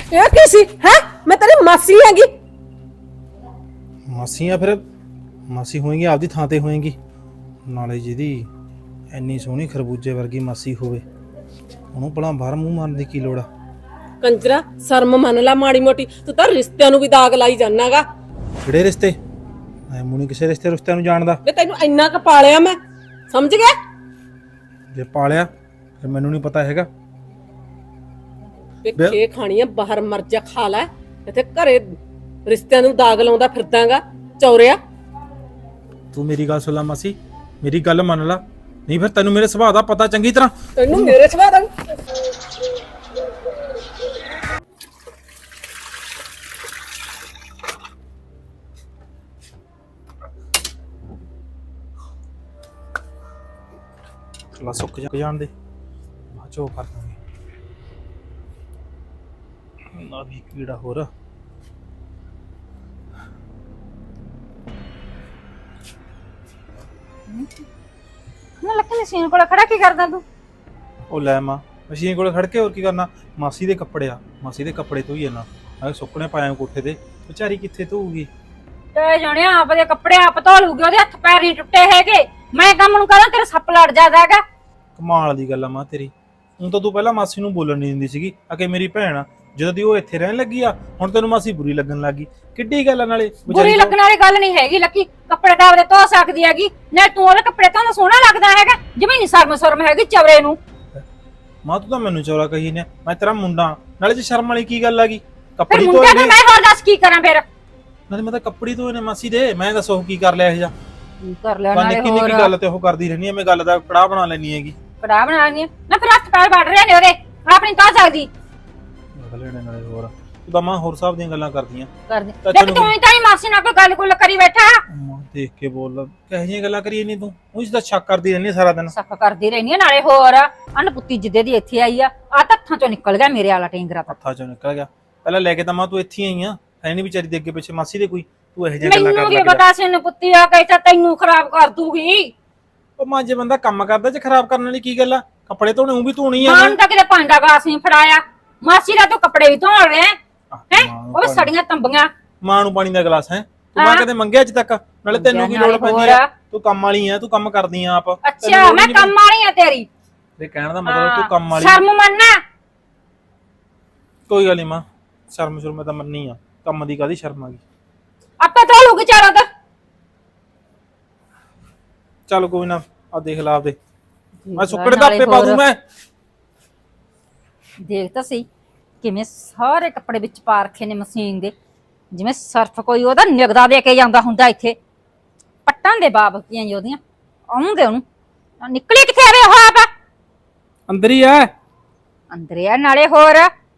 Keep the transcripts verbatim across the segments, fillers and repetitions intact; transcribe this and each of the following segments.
ਇਹ ਕੀ ਸੀ ਹੈ? ਮੈਂ ਤੇਰੀ ਮਾਸੀ ਹੈਗੀ। ਮਾਸੀਆਂ ਫਿਰ ਮਾਸੀ ਹੋਏਗੀ, ਆਪਦੀ ਥਾਂ ਤੇ ਹੋਏਗੀ। ਨਾਲੇ ਜਿਹਦੀ ਇੰਨੀ ਸੋਹਣੀ ਖਰਬੂਜੇ ਵਰਗੀ ਮਾਸੀ ਹੋਵੇ ਉਹਨੂੰ ਭਲਾ ਬਾਹਰ ਮੂੰਹ ਮਾਰਨ ਦੀ ਕੀ ਲੋੜ ਆ? ਕੰਜਰਾ ਸ਼ਰਮ ਮੰਨ ਲਾ ਮਾੜੀ ਮੋਟੀ। ਤੂੰ ਤਾਂ ਰਿਸ਼ਤਿਆਂ ਨੂੰ ਵੀ ਦਾਗ ਲਾਈ ਜਾਨਾਗਾ। ਕਿਹੜੇ ਰਿਸ਼ਤੇ? ਮੈਂ ਮੂੰਹ ਨਹੀਂ ਕਿਸੇ ਰਿਸ਼ਤੇ ਰਿਸ਼ਤਿਆਂ ਨੂੰ ਜਾਣਦਾ। ਵੇ ਤੈਨੂੰ ਇੰਨਾ ਕ ਪਾਲਿਆ ਮੈਂ, ਸਮਝ ਗਿਆ? ਜੇ ਪਾਲਿਆ ਫਿਰ ਮੈਨੂੰ ਨਹੀਂ ਪਤਾ ਹੈਗਾ। ਵੇ ਖੇ ਖਾਣੀ ਆ ਬਾਹਰ ਮਰ ਜਾ, ਖਾ ਲੈ। ਇੱਥੇ ਘਰੇ ਰਿਸ਼ਤਿਆਂ ਨੂੰ ਦਾਗ ਲਾਉਂਦਾ ਫਿਰਦਾਗਾ ਚੌਰਿਆ। ਤੂੰ ਮੇਰੀ ਗੱਲ ਸੁਣ ਲੈ ਮਾਸੀ, ਮੇਰੀ ਗੱਲ ਮੰਨ ਲਾ, ਨਹੀਂ ਫਿਰ ਤੈਨੂੰ ਮੇਰੇ ਸੁਭਾਅ ਦਾ ਪਤਾ ਚੰਗੀ ਤਰ੍ਹਾਂ। ਤੈਨੂੰ ਮੇਰੇ ਸੁਭਾਅ ਦਾ ਲਾ ਸੁੱਕ ਜਾ ਜਾਣ ਦੇ, ਬਾਅਦ ਚੋਂ ਕਰ ਦਾਂਗੇ। ਨਾ ਵੀ ਕੀੜਾ ਹੋਰ ਨਾ ਲੱਕੀ ਮਸ਼ੀਨ ਕੋਲ ਖੜਾ ਕੀ ਕਰਦਾ ਤੂੰ? ਉਹ ਲੈ ਮਾਂ, ਮਸ਼ੀਨ ਕੋਲ ਖੜ ਕੇ ਹੋਰ ਕੀ ਕਰਨਾ? ਮਾਸੀ ਦੇ ਕੱਪੜੇ ਆ, ਮਾਸੀ ਦੇ ਕੱਪੜੇ ਧੋਈ ਇਹਨਾਂ। ਮੈਂ ਸੁੱਕਣੇ ਪਾਇਆ ਕੋਠੇ ਤੇ, ਵਿਚਾਰੀ ਕਿੱਥੇ ਧੋਊਗੀ? ਤੇ ਜਣਿਆ ਆਪਦੇ ਕੱਪੜੇ ਆਪ ਧੋ ਲੂਗੀ, ਉਹਦੇ ਹੱਥ ਪੈਰ ਨਹੀਂ ਟੁੱਟੇ ਹੈਗੇ। ਮੈਂ ਕੰਮ ਨੂੰ ਕਰਾਂ ਤੇਰਾ ਸੱਪ ਲੜ ਜਾਂਦਾ ਹੈਗਾ। ਕਮਾਲ ਦੀ ਗੱਲ ਆ ਮਾਂ ਤੇਰੀ। ਹੁਣ ਤਾਂ ਤੂੰ ਪਹਿਲਾਂ ਮਾਸੀ ਨੂੰ ਬੋਲਣ ਨਹੀਂ ਦਿੰਦੀ ਸੀਗੀ, ਆ ਕਿ ਮੇਰੀ ਭੈਣ ਆ। ਜਦੋਂ ਦੀ ਉਹ ਇੱਥੇ ਰਹਿਣ ਲੱਗੀ ਆ ਹੁਣ ਤੈਨੂੰ ਮਾਸੀ ਬੁਰੀ ਲੱਗਣ ਲੱਗੀ। ਕਿੱਡੀ ਗੱਲ ਆ? ਨਾਲੇ ਬੁਰੀ ਲੱਗਣ ਵਾਲੀ ਗੱਲ ਨਹੀਂ ਹੈਗੀ ਲੱਕੀ, ਕੱਪੜੇ ਤਾਂ ਆਪਦੇ ਧੋ ਸਕਦੀ ਹੈਗੀ। ਨਾ ਤੂੰ ਉਹਦੇ ਕੱਪੜੇ ਧੋਣਾ ਸੋਹਣਾ ਲੱਗਦਾ ਹੈਗਾ, ਜਿਵੇਂ ਨਹੀਂ ਸ਼ਰਮ ਸ਼ਰਮ ਹੈਗੀ ਚਵਰੇ ਨੂੰ। ਮਾਂ ਤੂੰ ਤਾਂ ਮੈਨੂੰ ਚੌਰਾ ਕਹੀ ਨੇ, ਮੈਂ ਤੇਰਾ ਮੁੰਡਾ। ਨਾਲੇ ਜੇ ਸ਼ਰਮ ਵਾਲੀ ਕੀ ਗੱਲ ਆ ਗਈ? ਫਿਰ ਕੱਪੜੇ ਮੁੰਡਾ ਧੋਏ ਤਾਂ ਨੇ, ਮੈਂ ਹੋਰ ਦੱਸ ਕੀ ਕਰਾਂ ਫਿਰ? ਨਾਲੇ ਮੈਂ ਤਾਂ ਕੱਪੜੇ ਧੋਏ ਨੇ ਮਾਸੀ ਦੇ। ਮੈਂ ਦੱਸੋ ਕੀ ਕਰ ਲਿਆ ਇਹ ਜਾ? ਕਰ ਲਿਆ ਤਾਂ ਨਾਲੇ ਨਿੱਕੀ ਹੋਰ ਨਿੱਕੀ ਗੱਲ ਤੇ ਉਹ ਕਰਦੀ ਰਹਿਣੀ ਐ। ਮੈਂ ਗੱਲ ਦਾ ਕੜਾਹ ਬਣਾ ਲੈਣੀ ਹੈਗੀ। ਕੜਾ ਬਣਾਣੀ ਨਾ, ਫਿਰ ਹੱਥ ਪੈਰ ਵੱਢ ਰਹੇ ਨੇ ਉਹਦੇ, ਆਪਣੀ ਧੋ ਸਕਦੀ। ਲੈਣੇ ਨਾਲੇ ਹੋਰ ਤੂੰ ਤਾਂ ਮਾਂ ਹੋਰ ਹਿਸਾਬ ਦੀਆਂ ਗੱਲਾਂ ਕਰਦੀਆਂ। ਕਰਦੀ ਤਾਂ ਦੇਖ ਤੈਨੂੰ- ਤੂੰ ਤਾਂ ਹੀ ਮਾਸੀ ਨਾਲ ਕੋਈ ਗੱਲ ਗੁੱਲ ਕਰੀ ਬੈਠਾ। ਮਾਂ ਦੇਖ ਕੇ ਬੋਲ, ਕਿਹੋ ਜਿਹੀਆਂ ਗੱਲਾਂ ਕਰੀਏ ਨਹੀਂ ਤੂੰ? ਉਹ ਇਸ ਦਾ ਸ਼ੱਕ ਕਰਦੀ ਰਹਿੰਦੀ ਸਾਰਾ ਦਿਨ। ਸੱਕ ਕਰਦੀ ਰਹਿਨੀ ਆ ਨਾਲੇ ਹੋਰ। ਅਨਪੁੱਤੀ ਜਿੱਦੇ ਦੀ ਇੱਥੇ ਆਈ ਆ, ਆ ਹੱਥਾਂ ਚੋਂ ਨਿਕਲ ਗਿਆ ਮੇਰੇ ਵਾਲਾ ਟੈਂਗਰਾ। ਹੱਥਾਂ ਚੋਂ ਨਿਕਲ ਗਿਆ। ਪਹਿਲਾਂ ਲੈ ਕੇ ਤਾਂ ਮਾਂ ਤੂੰ ਇੱਥੇ ਆਈ ਆ, ਹੈ ਨਹੀਂ ਵਿਚਾਰੀ ਦੇ ਅੱਗੇ ਪਿੱਛੇ ਮਾਸੀ ਦੇ ਕੋਈ। ਤੂੰ ਇਹੋ ਜਿਹੀਆਂ ਗੱਲਾਂ ਮੈਨੂੰ ਕਰਨ ਕੀ ਲੱਗ ਪਤਾ ਸੀ ਅਨਪੁੱਤੀ ਆ ਕਹਿਤਾ ਤੈਨੂੰ ਖਰਾਬ ਕਰ ਦੂਗੀ। ਉਹ ਮਾਂ ਜੇ ਬੰਦਾ ਕੰਮ ਕਰਦਾ ਜੇ ਖਰਾਬ ਕਰਨ ਵਾਲੀ ਕੀ ਗੱਲ ਆ? ਕੱਪੜੇ ਧੋਣੇ ਉਹ ਵੀ ਧੋਣੀ ਆ। ਮਾਂ ਨੂੰ ਤਾਂ ਕਿਤੇ ਭਾਂਡਾ ਗਲਾਸ ਨਹੀਂ ਫੜਾਇਆ, ਮਾਸੀ ਦਾ ਤੂੰ ਕੱਪੜੇ ਵੀ ਧੋਣ ਰਿਹਾ ਹੈ। ਉਹ ਸੜੀਆਂ ਤੰਬੀਆਂ। ਮਾਂ ਨੂੰ ਪਾਣੀ ਦਾ ਗਲਾਸ ਹੈ? ਤੂੰ ਮਾਂ ਕਦੇ ਮੰਗਿਆ ਅੱਜ ਤੱਕ? ਨਾਲੇ ਤੈਨੂੰ ਕੀ ਲੋੜ ਪੈਂਦੀ ਆ? ਤੂੰ ਕੰਮ ਵਾਲੀ ਆ, ਤੂੰ ਕੰਮ ਕਰਦੀ ਆ ਆਪ। ਅੱਛਾ ਮੈਂ ਕੰਮ ਵਾਲੀ ਆ ਤੇਰੀ? ਤੇ ਕਹਿਣ ਦਾ ਮਤਲਬ ਤੂੰ ਕੰਮ ਵਾਲੀ। ਸ਼ਰਮ ਮੰਨਣਾ। ਕੋਈ ਗੱਲ ਨਹੀਂ ਮਾਂ, ਸ਼ਰਮ ਸ਼ਰਮ ਤਾਂ ਮੰਨੀ ਆ, ਕੰਮ ਦੀ ਕਾਦੀ ਸ਼ਰਮ ਆ ਗਈ? ਆਪੇ ਧੋ ਲੂਗੀ ਚਾਰੋਂ ਤਾਂ। ਚੱਲ ਕੋਈ ਨਾ, ਆ ਦੇਖ ਲਾ ਆਪਦੇ। ਮੈਂ ਸੁੱਕੜੇ ਦਾ ਆਪੇ ਪਾ ਦੂੰ। ਮੈਂ ਦੇਖ ਤਾਂ ਸਹੀ ਕਿਵੇਂ ਸਾਰੇ ਕੱਪੜੇ ਵਿੱਚ ਪਾ ਰੱਖੇ ਨੇ ਮਸ਼ੀਨ ਦੇ, ਜਿਵੇਂ ਸਰਫ ਕੋਈ ਉਹਦਾ ਨਿਗਦਾ ਦੇ ਕੇ ਜਾਂਦਾ ਹੁੰਦਾ ਇੱਥੇ। ਪੱਟਾਂ ਦੇ ਬਾਬ ਕੀਆਂ ਜੀ ਉਹਦੀਆਂ ਆਉਂਦੇ ਉਹਨੂੰ। ਨਿਕਲੀ ਕਿੱਥੇ ਆਵੇ ਉਹ ਆਪ? ਅੰਦਰ ਹੀ ਆ। ਅੰਦਰ ਆ ਨਾਲੇ ਹੋਰ।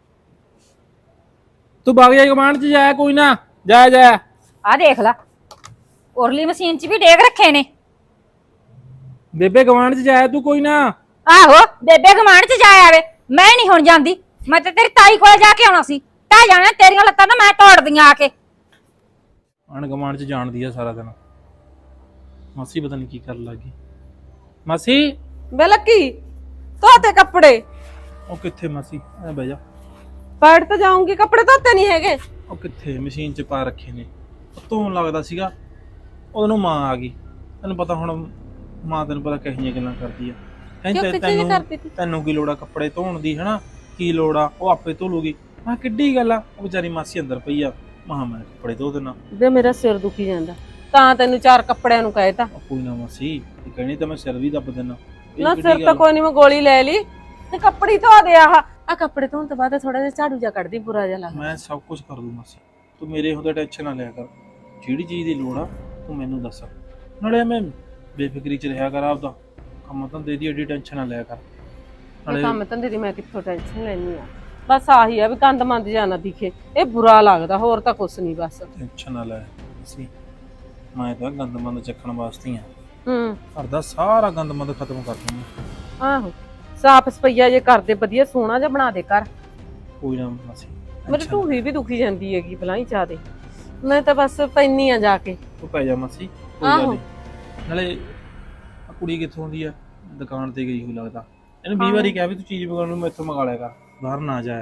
ਤੂੰ ਬਾਗ ਜਾ ਕਮਾਂਡ ਚ ਜਾਇਆ, ਕੋਈ ਨਾ ਜਾ ਜਾ। ਆ ਦੇਖ ਲਾ ਉਰਲੀ ਮਸ਼ੀਨ ਚ ਵੀ ਡੇਗ ਰੱਖੇ ਨੇ। ਬੇਬੇ ਗਵਾਂਡ ਚ ਜਾਇਆ ਤੂੰ, ਕੋਈ ਨਾ। ਆਹੋ ਬੇਬੇ ਗਮਾਂਡ ਚ ਜਾ ਆਵੇ, ਮੈਂ ਨਹੀਂ ਹੁਣ ਜਾਂਦੀ। ਮੈਂ ਤੇ ਤੇਰੀ ਤਾਈ ਕੋਲ ਜਾ ਕੇ ਆਉਣਾ ਸੀ। ਟਹਿ ਜਾਣਾ ਤੇਰੀਆਂ ਲੱਤਾਂ ਤਾਂ ਮੈਂ ਤੋੜਦੀਆਂ ਆ ਕੇ। ਅਣ ਗਵਾਂਡ ਚ ਜਾਣਦੀ ਆ ਸਾਰਾ ਦਿਨ। ਮਾਸੀ ਪਤਾ ਨਹੀਂ ਕੀ ਕਰਨ ਲੱਗੀ। ਮਾਸੀ ਵੇ ਲੱਕੀ ਧੋਤੇ ਕੱਪੜੇ? ਉਹ ਕਿੱਥੇ ਮਾਸੀ, ਐ ਬਹਿ ਜਾ। ਪੈੜ ਤਾਂ ਜਾਊਂਗੀ, ਕੱਪੜੇ ਧੋਤੇ ਨਹੀਂ ਹੈਗੇ। ਉਹ ਕਿੱਥੇ ਮਸ਼ੀਨ ਚ ਪਾ ਰੱਖੇ ਨੇ। ਧੋਣ ਲੱਗਦਾ ਸੀਗਾ, ਉਹਨੂੰ ਮਾਂ ਆ ਗਈ। ਤੈਨੂੰ ਪਤਾ ਹੁਣ ਮਾਂ, ਤੈਨੂੰ ਪਤਾ ਕਿਹੋ ਜਿਹੀਆਂ ਗੱਲਾਂ ਕਰਦੀ ਆ। ਤੈਨੂੰ ਤੈਨੂੰ ਕੀ ਲੋੜ ਆ ਕੱਪੜੇ ਧੋਣ ਦੀ? ਹਨਾ ਕੀ ਲੋੜ ਆ? ਉਹ ਆਪੇ ਧੋ ਲੂਗੀ। ਮੈਂ ਕਿੱਡੀ ਗੱਲ ਆ? ਉਹ ਵਿਚਾਰੀ ਮਾਸੀ ਅੰਦਰ ਪਈ ਆ, ਮਹਾ ਮੈਂ ਕੱਪੜੇ ਧੋ ਦੇਣਾ। ਵੇ ਮੇਰਾ ਸਿਰ ਦੁਖੀ ਜਾਂਦਾ, ਤਾਂ ਤੈਨੂੰ ਚਾਰ ਕੱਪੜਿਆਂ ਨੂੰ ਕਹਿ ਤਾ। ਕੋਈ ਨਾ ਮਾਸੀ, ਕਹਿਣੀ ਤਾਂ ਮੈਂ ਸਿਰ ਵੀ ਦੱਬ ਦੇਣਾ। ਨਾ ਸਿਰ ਤਾਂ ਕੋਈ ਨਹੀਂ, ਮੈਂ ਗੋਲੀ ਲੈ ਲਈ ਤੇ ਕੱਪੜੇ ਧੋ ਦੇ। ਆਹ ਆ ਕੱਪੜੇ ਧੋਣ ਤੋਂ ਬਾਅਦ ਥੋੜਾ ਜਿਹਾ ਝਾੜੂ ਜਾ ਕੱਢਦੀ, ਬੁਰਾ ਜਿਹਾ ਲੱਗਦਾ। ਮੈਂ ਸਭ ਕੁਝ ਕਰ ਦੂੰ ਮਾਸੀ, ਤੂੰ ਮੇਰੇ ਹੁੰਦੇ ਟੈਨਸ਼ਨ ਨਾ ਲਿਆ ਕਰ। ਜਿਹੜੀ ਚੀਜ਼ ਦੀ ਲੋੜ ਆ ਤੂੰ ਮੈਨੂੰ ਦੱਸ। ਨਾਲੇ ਮੈਂ ਬੇਫਿਕਰੀ ਚ ਰਿਹਾ ਕਰ ਆਪਦਾ। ਕੰਮ ਧੰਦੇ ਦੀ ਐਡੀ ਟੈਨਸ਼ਨ ਨਾ ਲਿਆ ਕਰ। ਨਾਲੇ ਕੰਮ ਧੰਦੇ ਦੀ ਮੈਂ ਕਿੱਥੋਂ ਟੈਨਸ਼ਨ ਲੈਣੀ ਆ? ਬਸ ਆਹੀ ਆ ਵੀ ਗੰਦ ਮੰਦ ਜਾਂ ਨਾ ਦਿਖੇ, ਇਹ ਬੁਰਾ ਲੱਗਦਾ, ਹੋਰ ਤਾਂ ਕੁਛ ਨਹੀਂ। ਬਸ ਟੈਨਸ਼ਨ ਨਾ ਲੈ ਅਸੀਂ, ਮੈਂ ਤਾਂ ਗੰਦ ਮੰਦ ਚੱਕਣ ਵਾਸਤੇ ਆ। ਹੂੰ ਘਰ ਦਾ ਸਾਰਾ ਗੰਦ ਮੰਦ ਖਤਮ ਕਰ ਦੂੰਗਾ। ਆਹੋ ਸਾਫ ਸਫਾਈਆ ਜੇ ਕਰਦੇ, ਵਧੀਆ ਸੋਹਣਾ ਜਿਹਾ ਬਣਾ ਦੇ ਘਰ। ਕੋਈ ਨਾ ਮਾਸੀ, ਮੇਰੀ ਢੂਹੀ ਵੀ ਦੁਖੀ ਜਾਂਦੀ ਹੈਗੀ ਬਲਾਈ ਚਾਦੇ। ਮੈਂ ਤਾਂ ਬਸ ਪੈਣੀ ਆ ਜਾ ਕੇ। ਤੂੰ ਪੈ ਜਾ ਮਾਸੀ, ਕੋਈ ਗੱਲ ਨਹੀਂ। ਨਾਲੇ ਆ ਕੁੜੀ ਕਿੱਥੋਂ ਆਉਂਦੀ ਆ? ਦੁਕਾਨ ਤੇ ਗਈ ਹੋਈ ਲੱਗਦਾ। ਇਹਨੂੰ ਵੀਹ ਵਾਰੀ ਕਿਹਾ ਵੀ ਤੂੰ ਚੀਜ਼ ਮੰਗਾਉਣ ਨੂੰ ਮੈਥੋਂ ਮੰਗਾ ਲਿਆ ਕਰ, ਬਾਹਰ ਨਾ ਜਾਇਆ ਕਰ।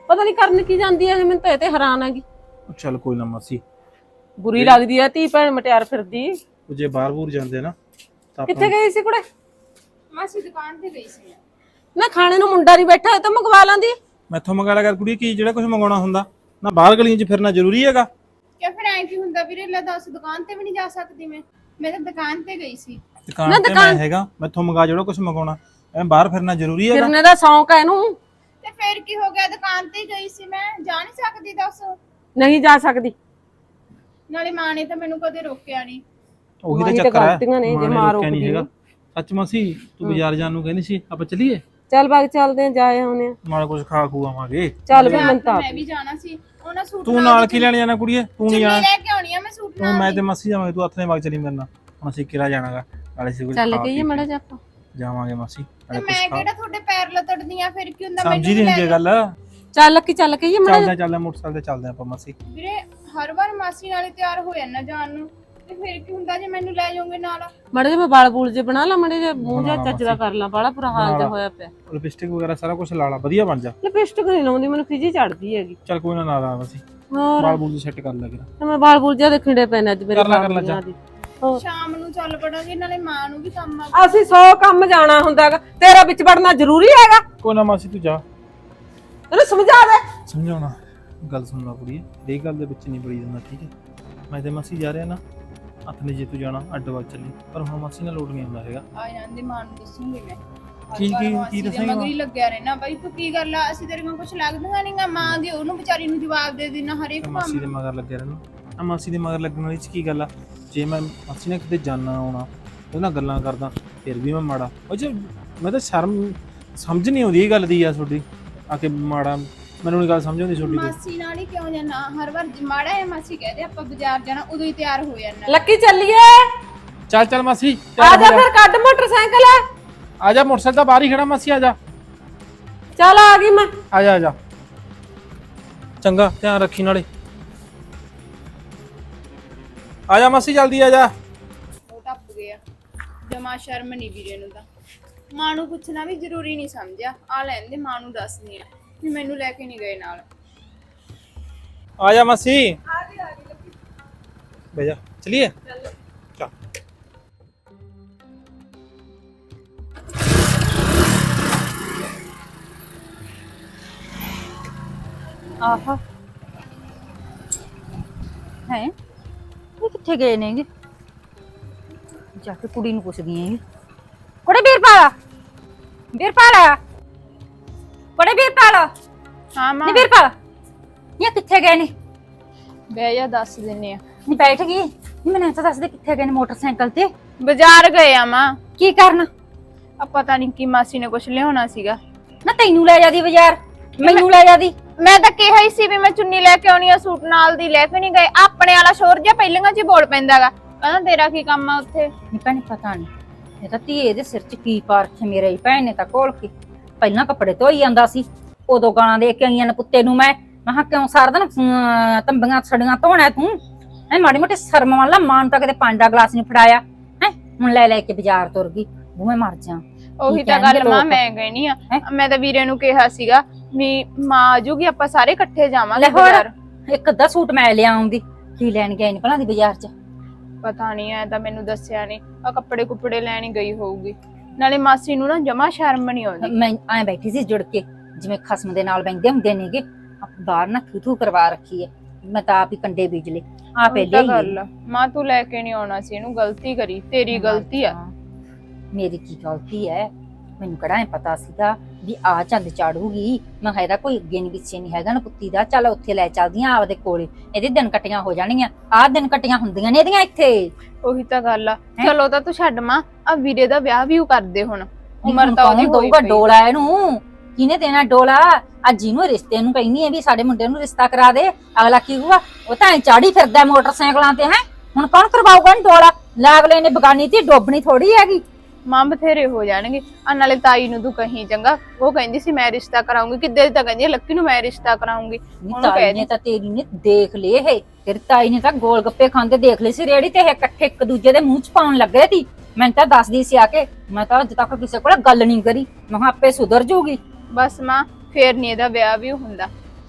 ਪਤਾ ਨਹੀਂ ਕਰਨ ਕੀ ਜਾਂਦੀ ਹੈ ਇਹ, ਮੈਨੂੰ ਤਾਂ ਇਹ ਤੇ ਹੈਰਾਨ ਆਗੀ। ਚੱਲ ਕੋਈ ਨਾ ਮਾਸੀ, ਬੁਰੀ ਲੱਗਦੀ ਹੈ ਧੀ ਭੈਣ ਮਟਿਆਰ ਫਿਰਦੀ। ਉਹ ਜੇ ਬਾਹਰ ਬੂਰ ਜਾਂਦੇ ਨਾ ਤਾਂ ਆਪਾਂ ਕਿੱਥੇ ਗਈ ਸੀ ਕੁੜੇ? ਮਾਸੀ ਦੁਕਾਨ ਤੇ ਗਈ ਸੀ। ਨਾ ਖਾਣੇ ਨੂੰ ਮੁੰਡਾ ਨਹੀਂ ਬੈਠਾ ਹੋਇਆ ਤਾਂ ਮੰਗਵਾ ਲਾਂਦੀ। ਮੈਥੋਂ ਮੰਗਾ ਲਿਆ ਕਰ ਕੁੜੀ, ਕੀ ਜਿਹੜਾ ਕੁਝ ਮੰਗਾਉਣਾ ਹੁੰਦਾ ਨਾ ਬਾਹਰ ਗਲੀਆਂ 'ਚ ਫਿਰਨਾ ਜ਼ਰੂਰੀ ਹੈਗਾ? ਕਿਆ ਫਿਰ ਐਂ ਕੀ ਹੁੰਦਾ ਵੀਰੇ, ਲੈ ਦੱਸ ਦੁਕਾਨ ਤੇ ਵੀ ਨਹੀਂ ਜਾ ਸਕਦੀ ਮੈਂ ਮੈਂ ਤਾਂ ਦੁਕਾਨ ਤੇ ਗਈ ਸੀ। ਦੁਕਾਨ ਤੇ ਮੈਂ ਹੈਗਾ, ਮੈਥੋਂ ਮੰਗਾ ਜਿਹੜਾ ਕੁਝ ਮੰਗਾਉਣਾ, ਐ ਬਾਹਰ ਫਿਰਨਾ ਜ਼ਰੂਰੀ ਹੈਗਾ? ਫਿਰਨੇ ਦਾ ਸ਼ੌਂਕ ਹੈ ਇਹਨੂੰ। ਤੇ ਫਿਰ ਕੀ ਹੋ ਗਿਆ, ਦੁਕਾਨ ਤੇ ਹੀ ਗਈ ਸੀ ਮੈਂ, ਜਾ ਨਹੀਂ ਸਕਦੀ ਦੱਸ? ਨਹੀਂ ਜਾ ਸਕਦੀ। ਨਾਲੇ ਮਾਂ ਨੇ ਤਾਂ ਮੈਨੂੰ ਕਦੇ ਰੋਕਿਆ ਨਹੀਂ। ਉਹੀ ਤਾਂ ਮਾਂ ਦੀ ਤਾਂ ਚੱਕਰ ਹੈ, ਗਲਤੀਆਂ ਨੇ, ਜੇ ਮਾਂ ਮਾਂ ਰੋਕਿਆ ਨਹੀਂ ਰੋਕਦੀ ਹੈਗਾ। ਸੱਚ ਮਾਸੀ, ਤੂੰ ਬਾਜ਼ਾਰ ਜਾਣ ਨੂੰ ਕਹਿੰਦੀ ਸੀ, ਆਪਾਂ ਚੱਲੀਏ? ਚੱਲ ਬਾਗ ਚੱਲਦੇ ਆ, ਜਾਏ ਆਉਨੇ ਆ। ਨਾਲ ਕੁਝ ਖਾ ਖੂ ਆਵਾਂਗੇ। ਚੱਲ ਵੀ ਮੈਂ ਤਾਂ ਮੈਂ ਵੀ ਜਾਣਾ ਸੀ, ਉਹਨਾਂ ਸੂਟ ਤੂੰ ਨਾਲ ਕੀ ਲੈਣ ਜਾਣਾ ਕੁੜੀਏ? ਤੂੰ ਨਹੀਂ ਚੁੰਨੀ ਜਾਣਾ? ਲੈ ਕੇ ਆਉਣੀ ਆ ਮੈਂ ਸੂਟ ਤੂੰ ਨਾਲ। ਮੈਂ ਤੇ ਮਾਸੀ ਜਾਵਾਂਗੇ, ਤੂੰ ਹੱਥ ਨੇ ਬਾਗ ਚਲੀ ਮੇਰੇ ਨਾਲ। ਹੁਣ ਅਸੀਂ ਕਿਹੜਾ ਜਾਣਾਗਾ, ਨਾਲੇ ਸੀ ਕੁਝ ਚੱਲ ਗਈ ਮੜਾ ਜਾ ਆਪਾਂ ਜਾਵਾਂਗੇ ਮਾਸੀ। ਤੇ ਮੈਂ ਕਿਹੜਾ ਤੁਹਾਡੇ ਪੈਰ ਲਤੜਦੀ ਆ, ਫਿਰ ਕੀ ਹੁੰਦਾ? ਸਮਝੀ ਨਹੀਂ ਹੁੰਦੀ ਗੱਲ। ਚੱਲ ਲੱਕੀ ਚੱਲ ਗਈ ਮੜਾ ਚੱਲਦੇ ਚੱਲਦੇ ਮੋਟਰਸਾਈਕਲ ਤੇ ਚੱਲਦੇ ਆਪਾਂ ਮਾਸੀ। ਵੀਰੇ ਹਰ ਵਾਰ ਮਾਸੀ ਨਾਲ ਹੀ ਤਿਆਰ ਹੋ ਜਾਂਦਾ ਜਾਣ ਨੂੰ, ਤੇ ਫਿਰ ਕੀ ਹੁੰਦਾ ਜੇ ਮੈਨੂੰ ਲੈ ਜਾਓਗੇ ਨਾਲ? ਮੜੇ ਜੇ ਮੈਂ ਵਾਲ ਬੂਲ ਜੇ ਬਣਾ ਲਾ, ਮੜੇ ਜੇ ਮੂੰਹ ਜਿਹਾ ਚੱਜਦਾ ਕਰ ਲਾ, ਬਾਲਾ ਬੁਰਾ ਹਾਲ ਜਿਹਾ ਹੋਇਆ ਪਿਆ। ਲਿਪਸਟਿਕ ਵਗੈਰਾ ਸਾਰਾ ਕੁਝ ਲਾ ਲਾ, ਵਧੀਆ ਬਣ ਜਾ। ਲਿਪਸਟਿਕ ਨਹੀਂ ਲਾਉਂਦੀ, ਮੈਨੂੰ ਖਿਜੀ ਚੜਦੀ ਹੈਗੀ। ਚੱਲ ਕੋਈ ਨਾ, ਨਾ ਲਾ ਮਾਸੀ, ਹੋਰ ਵਾਲ ਬੂਲ ਸੈੱਟ ਕਰ ਲੈ ਕਰਾ। ਮੈਂ ਵਾਲ ਬੂਲ ਜਿਹਾ ਦੇਖਣੇ ਪੈਣੇ ਅੱਜ ਮੇਰੇ ਕਰ ਲੈ, ਕਰ ਲੈ ਜਾ। ਹੋਰ ਸ਼ਾਮ ਨੂੰ ਚੱਲ ਪੜਾਂਗੇ, ਨਾਲੇ ਮਾਂ ਨੂੰ ਵੀ ਕੰਮ ਆ। ਅਸੀਂ ਸੌ ਕੰਮ ਜਾਣਾ ਹੁੰਦਾ ਹੈਗਾ, ਤੇਰਾ ਵਿੱਚ ਵੜਨਾ ਜ਼ਰੂਰੀ ਹੈਗਾ? ਕੋਈ ਨਾ ਮਾਸੀ, ਤੂੰ ਜਾ, ਤੈਨੂੰ ਸਮਝਾ ਦੇ। ਸਮਝਾਉਣਾ ਗੱਲ ਸੁਣਨਾ ਕੁੜੀਏ, ਇਹ ਗੱਲ ਦੇ ਵਿੱਚ ਨਹੀਂ ਬੜੀ ਜਾਂਦਾ, ਠੀਕ ਹੈ? ਮੈਂ ਤੇ ਮਾਸੀ ਜਾ ਰਿਹਾ ਨਾ, ਹੱਥ ਨੇ ਜੇ ਤੂੰ ਜਾਣਾ ਅੱਡ ਵਗ ਚੱਲੀ, ਪਰ ਹੁਣ ਮਾਸੀ ਨਾਲ ਲੋਟ ਨਹੀਂ ਆਉਂਦਾ ਹੈਗਾ। ਆ ਜਾਂਦੇ ਮਾਂ ਨੂੰ ਦੱਸੂਗੀ ਮੈਂ। ਕੀ ਕੀ ਕੀ ਦੱਸੇਂਗਾ? ਮਗਰੀ ਲੱਗਿਆ ਰਹਿਣਾ ਬਾਈ, ਤੂੰ ਕੀ ਗੱਲ ਆ, ਅਸੀਂ ਤੇਰੇ ਕੋਲ ਕੁਝ ਲੱਗਦਾ ਨਹੀਂਗਾ। ਮਾਂ ਦੀ ਉਹਨੂੰ ਵਿਚਾਰੀ ਨੂੰ ਜਵਾਬ ਦੇ ਦੇਣਾ ਹਰੇਕ ਮਾਸੀ ਕੰਮ। ਦੇ ਮਗਰ ਲੱਗਿਆ ਰਹਿਣਾ, ਆ ਮਾਸੀ ਦੇ ਮਗਰ ਲੱਗਣ ਵਾਲੀ ਚ ਕੀ ਗੱਲ ਆ? ਜੇ ਮੈਂ ਮਾਸੀ ਨੇ ਕਿਤੇ ਜਾਣਾ ਆਉਣਾ, ਉਹਦੇ ਨਾਲ ਗੱਲਾਂ ਕਰਦਾ, ਫਿਰ ਵੀ ਮੈਂ ਮਾੜਾ ਉਹ ਚ ਮੈਂ ਤਾਂ ਸ਼ਰਮ ਸਮਝ ਨਹੀਂ ਆਉਂਦੀ ਇਹ ਗੱਲ ਦੀ ਆ ਤੁਹਾਡੀ, ਆ ਕੇ ਮਾੜਾ ਮੈਨੂੰ ਨਹੀਂ ਗੱਲ ਸਮਝ ਆਉਂਦੀ ਤੁਹਾਡੀ। ਮਾਸੀ ਨਾਲ ਹੀ ਕਿਉਂ ਜਾਣਾ ਹਰ ਵਾਰ? ਮਾੜਾ ਹੈ ਮਾਸੀ ਕਹਦੇ ਆਪਾਂ ਬਾਜ਼ਾਰ ਜਾਣਾ, ਉਦੋਂ ਹੀ ਤਿਆਰ ਹੋ ਜਾਣਾ। ਲੱਕੀ ਚੱਲੀਏ। ਚੱਲ ਚੱਲ ਮਾਸੀ, ਆ ਜਾ ਫਿਰ, ਕੱਢ ਮੋਟਰਸਾਈਕਲ। ਆ ਜਾ, ਮੋਟਰਸਾਈਕਲ ਤਾਂ ਬਾਹਰ ਹੀ ਖੜਾ ਮਾਸੀ, ਆ ਜਾ। ਚੱਲ ਆ ਗਈ ਮੈਂ। ਆ ਜਾ ਆ ਜਾ, ਚੰਗਾ ਧਿਆਨ ਰੱਖੀ ਨਾਲੇ। ਆ ਜਾ ਮਾਸੀ, ਜਲਦੀ ਆ ਜਾ। ਉਹ ਟੱਪ ਗਿਆ, ਜਮਾ ਸ਼ਰਮ ਨਹੀਂ ਵੀਰੇ ਨੂੰ ਤਾਂ। ਮਾਂ ਨੂੰ ਪੁੱਛਣਾ ਵੀ ਜ਼ਰੂਰੀ ਨਹੀਂ ਸਮਝਿਆ। ਆ ਲੈਂਦੇ ਮਾਂ ਨੂੰ ਦੱਸਦੀ ਆ ਵੀ ਮੈਨੂੰ ਲੈ ਕੇ ਨਹੀਂ ਗਏ ਨਾਲ। ਆ ਜਾ ਮਾਸੀ, ਆ ਗਈ ਆ ਗਈ ਬਹਿ ਜਾ, ਚਲਿਏ ਚੱਲ। ਆਹਾ ਹੈ ਇਹ ਕਿੱਥੇ ਗਏ ਨੇਗੇ? ਜਾ ਕੇ ਕੁੜੀ ਨੂੰ ਪੁੱਛਦੀ ਆਂ। ਕੁੜੇ ਵੀਰਪਾਲ, ਵੀਰਪਾਲ, ਕੁੜੇ ਵੀਰਪਾਲ। ਹਾਂ ਮਾਂ, ਨੀ ਵੀਰਪਾਲ, ਇਹ ਕਿੱਥੇ ਗਏ ਨੇ? ਬਹਿ ਜਾ, ਦੱਸ ਦਿੰਨੇ ਆ। ਨੀ ਬੈਠ ਗਈ ਨੀ, ਮੈਨੂੰ ਤਾਂ ਦੱਸ ਦੇ ਕਿੱਥੇ ਗਏ ਨੇ ਮੋਟਰਸਾਈਕਲ ਤੇ? ਬਾਜ਼ਾਰ ਗਏ ਆ ਮਾਂ। ਕੀ ਕਰਨ? ਆ ਪਤਾ ਨਹੀਂ ਕੀ ਮਾਸੀ ਨੇ ਕੁਝ ਲਿਆਉਣਾ ਸੀਗਾ। ਨਾ ਤੈਨੂੰ ਲੈ ਜਾਂਦੀ ਬਾਜ਼ਾਰ, ਮੈਨੂੰ ਲੈ ਜਾਂਦੀ। ਮੈਂ ਤਾਂ ਕਿਹਾ ਹੀ ਸੀ ਵੀ ਮੈਂ ਚੁੰਨੀ ਲੈ ਕੇ ਆਉਣੀ ਆ, ਸੂਟ ਨਾਲ ਦੀ ਲੈ ਕੇ ਨਹੀਂ ਗਏ। ਆਪਣੇ ਵਾਲਾ ਸ਼ੋਰ ਜਿਹਾ ਪਹਿਲਾਂ ਚ ਬੋਲ ਪੈਂਦਾਗਾ, ਕਹਿੰਦਾ ਤੇਰਾ ਕੀ ਕੰਮ ਆ ਉੱਥੇ? ਨੀ ਭੈਣ ਪਤਾ ਨਹੀਂ, ਇਹ ਤਾਂ ਧੀਏ ਦੇ ਸਿਰ 'ਚ ਕੀ ਪਾ ਰੱਖਿਆ ਮੇਰੇ ਭੈਣ ਨੇ ਤਾਂ ਕੋਲ ਕੇ। ਪਹਿਲਾਂ ਕੱਪੜੇ ਧੋਈ ਜਾਂਦਾ ਸੀ, ਉਦੋਂ ਗਾਲਾਂ ਦੇ ਕੇ ਆਈਆਂ ਨੇ ਕੁੱਤੇ ਨੂੰ। ਮੈਂ ਮੈਂ ਕਿਉਂ ਸਾਰਾ ਦਿਨ ਅਮ, ਤੰਬੀਆਂ ਛੜੀਆਂ ਧੋਣਾ ਤੂੰ? ਐ ਮਾੜੀ ਮੋਟੀ ਸ਼ਰਮ ਵਾਲਾ ਮਾਨ ਤਾਂ ਕਦੇ ਪਾਂਡਾ ਗਲਾਸ ਨਹੀਂ ਫੜਾਇਆ ਹੈ, ਹੁਣ ਲੈ ਲੈ ਕੇ ਬਾਜ਼ਾਰ ਤੁਰ ਗਈ। ਬੂਵੇਂ ਮਰ ਜਾ। ਉਹੀ ਤਾਂ ਗੱਲ ਮਾਂ ਮੈਂ ਕਹਿਣੀ ਆ। ਮੈਂ ਤਾਂ ਵੀਰੇ ਨੂੰ ਕਿਹਾ ਸੀਗਾ ਵੀ ਮਾਂ ਆ ਜੂਗੀ, ਆਪਾਂ ਸਾਰੇ ਇਕੱਠੇ ਜਾਵਾਂਗੇ ਬਾਜ਼ਾਰ। ਇੱਕ ਅੱਧਾ ਸੂਟ ਮੈਂ ਲਿਆਉਂਦੀ, ਕੀ ਲੈਣ ਗਏ ਨੇ ਭਲਾ ਦੀ ਬਾਜ਼ਾਰ 'ਚ? ਪਤਾ ਨਹੀਂ, ਐ ਤਾਂ ਮੈਨੂੰ ਦੱਸਿਆ ਨਹੀਂ। ਆ ਕੱਪੜੇ ਕੁੱਪੜੇ ਲੈਣ ਹੀ ਗਈ ਹੋਊਗੀ। ਨਾਲੇ ਮਾਸੀ ਨੂੰ ਨਾ ਜਮਾ ਸ਼ਰਮ ਨਹੀਂ ਆਉਂਦੀ। ਮੈਂ ਐ ਬੈਠੀ ਸੀ ਜੁੜ ਕੇ, ਜਿਵੇਂ ਖਸਮ ਦੇ ਨਾਲ ਬੈਠਦੇ ਹੁੰਦੇ ਨੇਗੇ। ਬਾਹਰ ਨਾ ਥੂ ਥੂ ਕਰਵਾ ਰੱਖੀ ਐ, ਮੈਂ ਤਾਂ ਆਪ ਹੀ ਕੰਡੇ ਬੀਜ ਲੇ। ਆ ਪਹਿਲੇ ਗੱਲ ਮਾਂ, ਤੂੰ ਲੈ ਕੇ ਨਹੀਂ ਆਉਣਾ ਸੀ ਇਹਨੂੰ, ਗਲਤੀ ਕਰੀ, ਤੇਰੀ ਗਲਤੀ ਆ। ਮੇਰੀ ਕੀ ਗਲਤੀ ਐ? ਮੈਨੂੰ ਕਿਹੜਾ ਐ ਪਤਾ ਸੀਗਾ ਵੀ ਆ ਚੰਦ ਚਾੜੂਗੀ? ਮੈਂ ਕਿਹਾ ਇਹਦਾ ਕੋਈ ਅੱਗੇ ਨਹੀਂ ਪਿੱਛੇ ਨਹੀਂ ਹੈਗਾ ਨਾ ਪੁੱਤੀ ਦਾ। ਚੱਲ ਉੱਥੇ ਲੈ ਚੱਲਦੀਆਂ ਆਪਦੇ ਕੋਲੇ, ਇਹਦੇ ਦਿਨ ਕੱਟੀਆਂ ਹੋ ਜਾਣਗੀਆਂ। ਆਹ ਦਿਨ ਕੱਟੀਆਂ ਹੁੰਦੀਆਂ ਨੇ ਇਹਦੀਆਂ ਇੱਥੇ। ਉਹੀ ਤਾਂ ਗੱਲ ਆ। ਚਲੋ ਤਾਂ ਤੂੰ ਛੱਡ ਮਾਂ, ਆ ਵੀਰੇ ਦਾ ਵਿਆਹ ਵੀ ਕਰਦੇ ਹੁਣ, ਉਮਰ ਤਾਂ ਉਹਦੀ ਹੋਈ ਪਈ। ਡੋਲਾ ਇਹਨੂੰ ਕਿਹਨੇ ਦੇਣਾ ਡੋਲਾ? ਅੱਜ ਇਹਨੂੰ ਰਿਸ਼ਤੇ ਨੂੰ ਕਹਿੰਦੀ ਐ ਵੀ ਸਾਡੇ ਮੁੰਡੇ ਨੂੰ ਰਿਸ਼ਤਾ ਕਰਾ ਦੇ, ਅਗਲਾ ਕੀ ਹੋਊਗਾ? ਉਹ ਤਾਂ ਐ ਚਾੜੀ ਫਿਰਦਾ ਮੋਟਰਸਾਈਕਲਾਂ ਤੇ। ਹੈ ਹੁਣ ਕੌਣ ਕਰਵਾਊਗਾ ਡੋਲਾ? ਲਾਗਲੇ ਨੇ ਬਗਾਨੀ ਤੇ ਡੋਬਣੀ ਥੋੜੀ ਹੈਗੀ। ਮਾਂ ਬਥੇਰੇ ਹੋ ਜਾਣਗੇ। ਆ ਨਾਲੇ ਤਾਈ ਨੂੰ ਤੂੰ ਕਹੀਂ ਚੰਗਾ, ਉਹ ਕਹਿੰਦੀ ਸੀ ਮੈਂ ਰਿਸ਼ਤਾ ਕਰਾਉਂਗੀ, ਕਿੱਦੇ ਤਾਂ ਕਹਿੰਦੀ ਲੱਕੀ ਨੂੰ ਮੈਂ ਰਿਸ਼ਤਾ ਕਰਾਉਂਗੀ। ਉਹਨੂੰ ਤਾਈ ਨੇ ਤਾਂ ਤੇਰੀ ਨੇ ਦੇਖ ਲਏ ਇਹ, ਤੇਰੀ ਤਾਈ ਨੇ ਤਾਂ ਗੋਲ ਗੱਪੇ ਖਾਂਦੇ ਦੇਖ ਲਏ ਸੀ ਰੇੜੀ ਤੇ। ਇਹ ਇਕੱਠੇ ਇੱਕ ਦੂਜੇ ਦੇ ਮੂੰਹ ਚ ਪਾਉਣ ਲੱਗੇ ਸੀ। ਮੈਂ ਤਾਂ ਦੱਸਦੀ ਸੀ ਆ ਕੇ, ਮੈਂ ਤਾਂ ਅੱਜ ਤੱਕ ਕਿਸੇ ਕੋਲ ਗੱਲ ਨਹੀਂ ਕਰੀ। ਮੈਂ ਕਿਹਾ ਆਪੇ ਸੁਧਰ ਜੂਗੀ। ਬਸ ਮਾਂ, ਫੇਰ ਨੀ ਇਹਦਾ ਵਿਆਹ ਵੀ ਹੁੰਦਾ।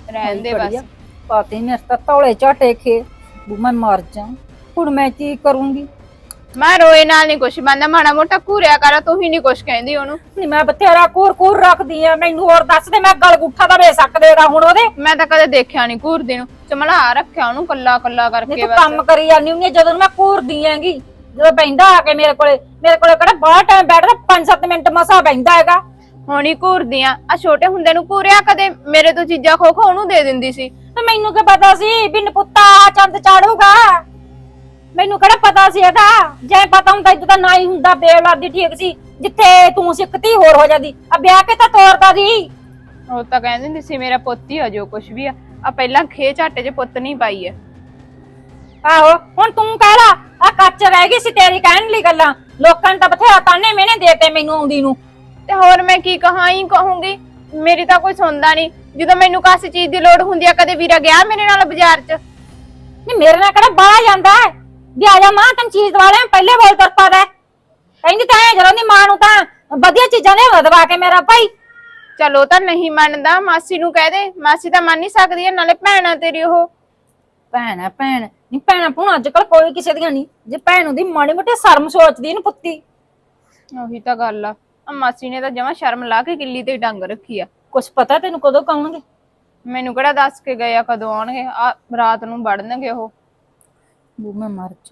ਰਹਿਣ ਦੇ ਬਸ। ਪਾਤੇ ਮੇਰੇ ਤਾਂ ਤੌਲੇ ਝਾਟੇ ਖੇ ਬੂ ਮੈਂ ਮਰ ਜਾ। ਹੁਣ ਮੈਂ ਕੀ ਕਰੂੰਗੀ? ਮੈਂ ਰੋਏ ਨਾਲ ਨਹੀਂ ਕੁਛ ਬੰਦਾ, ਮਾੜਾ ਮੋਟਾ ਘੂਰਿਆ ਕਰ, ਤੂੰ ਹੀ ਨਹੀਂ ਕੁਛ ਕਹਿੰਦੀ ਉਹਨੂੰ। ਨਹੀਂ ਮੈਂ ਬਥੇਰਾ ਕੂਰ ਕੂਰ ਰੱਖਦੀ ਆ, ਮੈਨੂੰ ਹੋਰ ਦੱਸ ਦੇ ਮੈਂ ਗਲ ਗੁੱਠਾ ਦਾ ਵੇ ਸਕਦੇਗਾ ਹੁਣ ਉਹਦੇ। ਮੈਂ ਤਾਂ ਕਦੇ ਦੇਖਿਆ ਨਹੀਂ ਘੂਰਦੀ ਨੂੰ, ਚਮਲਾ ਰੱਖਿਆ ਉਹਨੂੰ ਕੱਲਾ ਕੱਲਾ ਕਰਕੇ ਨਹੀਂ ਤੂੰ ਬਸ। ਕੰਮ ਕਰੀ ਜਾਂਦੀ ਹੁੰਦੀ ਆ, ਜਦੋਂ ਮੈਂ ਘੂਰਦੀ ਆਂਗੀ, ਜਦੋਂ ਬੈਂਦਾ ਆ ਕੇ ਮੇਰੇ ਕੋਲੇ, ਮੇਰੇ ਕੋਲੇ ਕਿਹੜਾ ਬਾਹਰ ਟਾਈਮ ਬੈਠਦਾ, ਪੰਜ ਸੱਤ ਮਿੰਟ ਮਸਾ ਬੈਂਦਾ ਹੈਗਾ। ਹੁਣ ਹੀ ਘੂਰਦੀ ਆ, ਆ ਛੋਟੇ ਹੁੰਦੇ ਨੂੰ ਘੂਰਿਆ ਕਦੇ? ਮੇਰੇ ਤੋਂ ਚੀਜ਼ਾਂ ਖੋ ਖੋ ਉਹਨੂੰ ਦੇ ਦਿੰਦੀ ਸੀ। ਤੇ ਮੈਨੂੰ ਕੀ ਪਤਾ ਸੀ ਵੀ ਨਪੁੱਤਾ ਚੰਦ ਚਾੜੂਗਾ? ਮੈਨੂੰ ਕਿਹੜਾ ਪਤਾ ਸੀ ਇਹਦਾ? ਜੇ ਪਤਾ ਹੁੰਦਾ ਇਦਾਂ ਤਾਂ ਨਾ ਹੀ ਹੁੰਦਾ, ਬੇਔਲਾਦੀ ਠੀਕ ਸੀ, ਜਿੱਥੇ ਤੂੰ ਸਿੱਖਤੀ ਹੋਰ ਹੋ ਜਾਂਦੀ। ਆ ਵਿਆਹ ਕੇ ਤਾਂ ਤੋਰਦਾ ਸੀ। ਉਹ ਤਾਂ ਕਹਿੰਦੀ ਹੁੰਦੀ ਸੀ ਮੇਰਾ ਪੁੱਤ ਹੀ ਆ ਜੋ ਕੁਛ ਵੀ ਆ, ਆ ਪਹਿਲਾਂ ਖੇ ਝਾਟੇ 'ਚ ਪੁੱਤ ਨਹੀਂ ਪਾਈ ਐ। ਆਹੋ ਹੁਣ ਤੂੰ ਕਹਿ ਲਾ, ਆ ਕੱਚ ਰਹਿ ਗਈ ਸੀ ਤੇਰੀ ਕਹਿਣ ਲਈ ਗੱਲਾਂ। ਲੋਕਾਂ ਨੇ ਤਾਂ ਬਥੇਰਾ ਤਾਨੇ ਮਿਹਣੇ ਦੇਤੇ ਮੈਨੂੰ ਆਉਂਦੀ ਨੂੰ। ਤੇ ਹੋਰ ਮੈਂ ਕੀ ਕਹਾਂ ਹੀ ਕਹੂੰਗੀ, ਮੇਰੀ ਤਾਂ ਕੋਈ ਸੁਣਦਾ ਨਹੀਂ। ਜਦੋਂ ਮੈਨੂੰ ਕਾਸੀ ਚੀਜ਼ ਦੀ ਲੋੜ ਹੁੰਦੀ ਆ, ਕਦੇ ਵੀਰਾ ਗਿਆ ਮੇਰੇ ਨਾਲ ਬਾਜ਼ਾਰ 'ਚ? ਨਹੀਂ ਮੇਰੇ ਨਾਲ ਕਿਹੜਾ ਬਾਹਰ ਜਾਂਦਾ ਹੈ ਵੀ ਆ ਜਾ ਮਾਂ ਤੈਨੂੰ ਚੀਜ਼ ਦਵਾ ਲੈ, ਪਹਿਲੇ ਬੋਲ ਤੁਰ ਪਾ ਦੇ। ਕਹਿੰਦੀ ਤਾਂ ਐ ਜਦੋਂ ਦੀ ਮਾਂ ਨੂੰ ਤਾਂ ਵਧੀਆ ਚੀਜ਼ਾਂ ਲਿਆ ਦਵਾ ਕੇ ਮੇਰਾ ਭਾਈ। ਚਲੋ ਤਾਂ ਨਹੀਂ ਮੰਨਦਾ, ਮਾਸੀ ਨੂੰ ਕਹਿ ਦੇ, ਮਾਸੀ ਤਾਂ ਮੰਨ ਹੀ ਸਕਦੀ ਹੈ, ਨਾਲੇ ਭੈਣ ਆ ਤੇਰੀ ਉਹ। ਭੈਣ ਹੈ ਭੈਣ ਨਹੀਂ, ਭੈਣਾਂ ਭੂਣ ਅੱਜ ਕੱਲ ਕੋਈ ਕਿਸੇ ਦੀਆਂ ਨਹੀਂ। ਜੇ ਭੈਣ ਉਹਦੀ ਮਾੜੀ ਮੋਟੀ ਸ਼ਰਮ ਸੋਚਦੀ ਇਹਨੂੰ ਪੁੱਤੀ। ਉਹੀ ਤਾਂ ਗੱਲ ਆ, ਆ ਮਾਸੀ ਨੇ ਤਾਂ ਜਮਾ ਸ਼ਰਮ ਲਾ ਕੇ ਕਿੱਲੀ ਤੇ ਡੰਗ ਰੱਖੀ ਆ। ਕੁਛ ਪਤਾ ਤੈਨੂੰ ਕਦੋਂ ਕਾਉਣਗੇ? ਮੈਨੂੰ ਕਿਹੜਾ ਦੱਸ ਕੇ ਗਏ ਆ ਕਦੋਂ ਆਉਣਗੇ? ਆ ਰਾਤ ਨੂੰ ਵੜਨਗੇ ਉਹ। ਬੂ ਮੈਂ ਮਰ ਜਾ।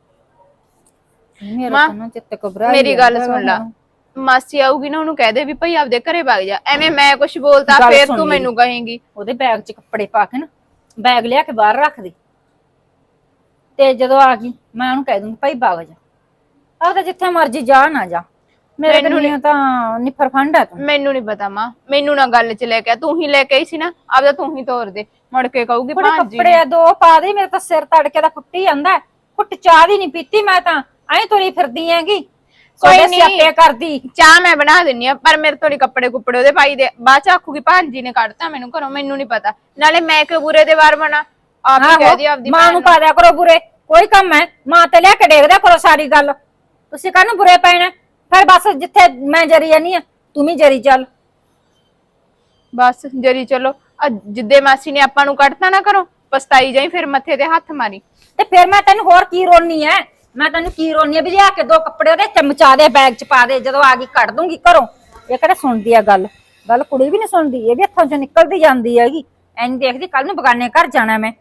ਮੇਰਾ ਤਾਂ ਨਾ ਚਿੱਤ ਘਬਰਾ ਮੇਰੀ ਗੱਲ ਸੁਣ ਲਾ, ਮਾਸੀ ਆਊਗੀ ਨਾ ਉਹਨੂੰ ਕਹਿ ਦੇ ਵੀ ਭਾਈ ਆਪਦੇ ਘਰੇ ਵਗ ਜਾ। ਐਵੇਂ ਮੈਂ ਕੁਛ ਬੋਲਤਾ ਫੇਰ ਤੂੰ ਮੈਨੂੰ ਕਹੇਂਗੀ। ਉਹਦੇ ਬੈਗ 'ਚ ਕੱਪੜੇ ਪਾ ਕੇ ਨਾ ਬੈਗ ਲਿਆ ਕੇ ਬਾਹਰ ਰੱਖ ਦੇ, ਤੇ ਜਦੋਂ ਆ ਗਈ ਮੈਂ ਉਹਨੂੰ ਕਹਿ ਦੂੰਗੀ ਭਾਈ ਵਗ ਜਾ। ਆਹ ਤਾਂ ਜਿੱਥੇ ਮਰਜੀ ਜਾ ਨਾ ਜਾ, ਮੇਰੇ ਕੋਲ ਤਾਂ ਨਿਫਰ ਫੰਡ ਆ ਤੂੰ। ਮੈਨੂੰ ਨਹੀਂ ਪਤਾ ਮਾਂ, ਮੈਨੂੰ ਨਾ ਗੱਲ 'ਚ ਲੈ ਕੇ, ਤੂੰ ਹੀ ਲੈ ਕੇ ਆਈ ਸੀ ਨਾ, ਆਪਦਾ ਤੂੰ ਹੀ ਤੋਰ ਦੇ। ਮੁੜ ਕੇ ਕਹੂਗੀ ਭਾਂਜੀ ਕੱਪੜੇ ਦੋ ਪਾ ਦੇ, ਮੇਰੇ ਤਾਂ ਸਿਰ ਤੜਕੇ ਦਾ ਫੁੱਟੀ ਜਾਂਦਾ। ਫੁੱਟ ਚਾਹ ਦੀ ਨਹੀਂ ਪੀਤੀ ਮੈਂ ਤਾਂ, ਐਂ ਤੁਰੀ ਫਿਰਦੀ ਹੈਗੀ। ਕੋਈ ਨਹੀਂ ਕਰਦੀ ਚਾਹ ਮੈਂ ਬਣਾ ਦਿੰਨੀ ਆ, ਪਰ ਮੇਰੇ ਤੋਂ ਨੀ ਕੱਪੜੇ ਕੁੱਪੜੇ ਉਹਦੇ ਪਾਈ ਦੇ। ਬਾਅਦ ਚ ਆਖੂਗੀ ਭਾਂਜੀ ਨੇ ਕੱਢਤਾ ਮੈਨੂੰ ਘਰੋਂ, ਮੈਨੂੰ ਨਹੀਂ ਪਤਾ। ਨਾਲੇ ਮੈਂ ਕਿਉਂ ਬੁਰੇ ਦੇ ਵਾਰ ਬਣਾ? ਆਪ ਹੀ ਕਹਿ ਦੀ ਆਪਦੀ ਮਾਂ ਨੂੰ ਪਾ ਦਿਆ ਕਰੋ ਬੁਰੇ, ਕੋਈ ਕੰਮ ਹੈ ਮਾਂ ਤੇ ਲਿਆ ਕੇ ਦੇਖਦਿਆ ਕਰੋ ਸਾਰੀ ਗੱਲ। ਤੁਸੀਂ ਕਾਹਨੂੰ ਬੁਰੇ ਪੈਣਾ? ਫਿਰ ਬਸ ਜਿੱਥੇ ਮੈਂ ਜਰੀ ਜਾਨੀ ਆ ਤੂੰ ਵੀ ਜਰੀ ਚੱਲ। ਬਸ ਜਰੀ ਚਲੋ, ਜਿੱਦੇ ਮਾਸੀ ਨੇ ਆਪਾਂ ਨੂੰ ਕੱਢਤਾ ਨਾ ਘਰੋਂ, ਪਛਤਾਈ ਜਾਈ ਫਿਰ ਮੱਥੇ ਤੇ ਹੱਥ ਮਾਰੀ। ਤੇ ਫਿਰ ਮੈਂ ਤੈਨੂੰ ਹੋਰ ਕੀ ਰੋਣੀ ਐ? ਮੈਂ ਤੈਨੂੰ ਕੀ ਰੋਣੀ ਆ ਵੀ ਲਿਆ ਕੇ ਦੋ ਕੱਪੜੇ ਉਹਦੇ ਚਮਚਾ ਦੇ ਬੈਗ 'ਚ ਪਾ ਦੇ, ਜਦੋਂ ਆ ਗਈ ਕੱਢ ਦੂੰਗੀ ਘਰੋਂ। ਇਹ ਕਿਹੜਾ ਸੁਣਦੀ ਆ ਗੱਲ? ਗੱਲ ਕੁੜੀ ਵੀ ਨਹੀਂ ਸੁਣਦੀ, ਇਹ ਵੀ ਹੱਥੋਂ 'ਚ ਨਿਕਲਦੀ ਜਾਂਦੀ ਹੈਗੀ। ਐਂ ਦੇਖਦੀ ਕੱਲ ਨੂੰ ਬਗਾਨੇ ਘਰ ਜਾਣਾ ਮੈਂ।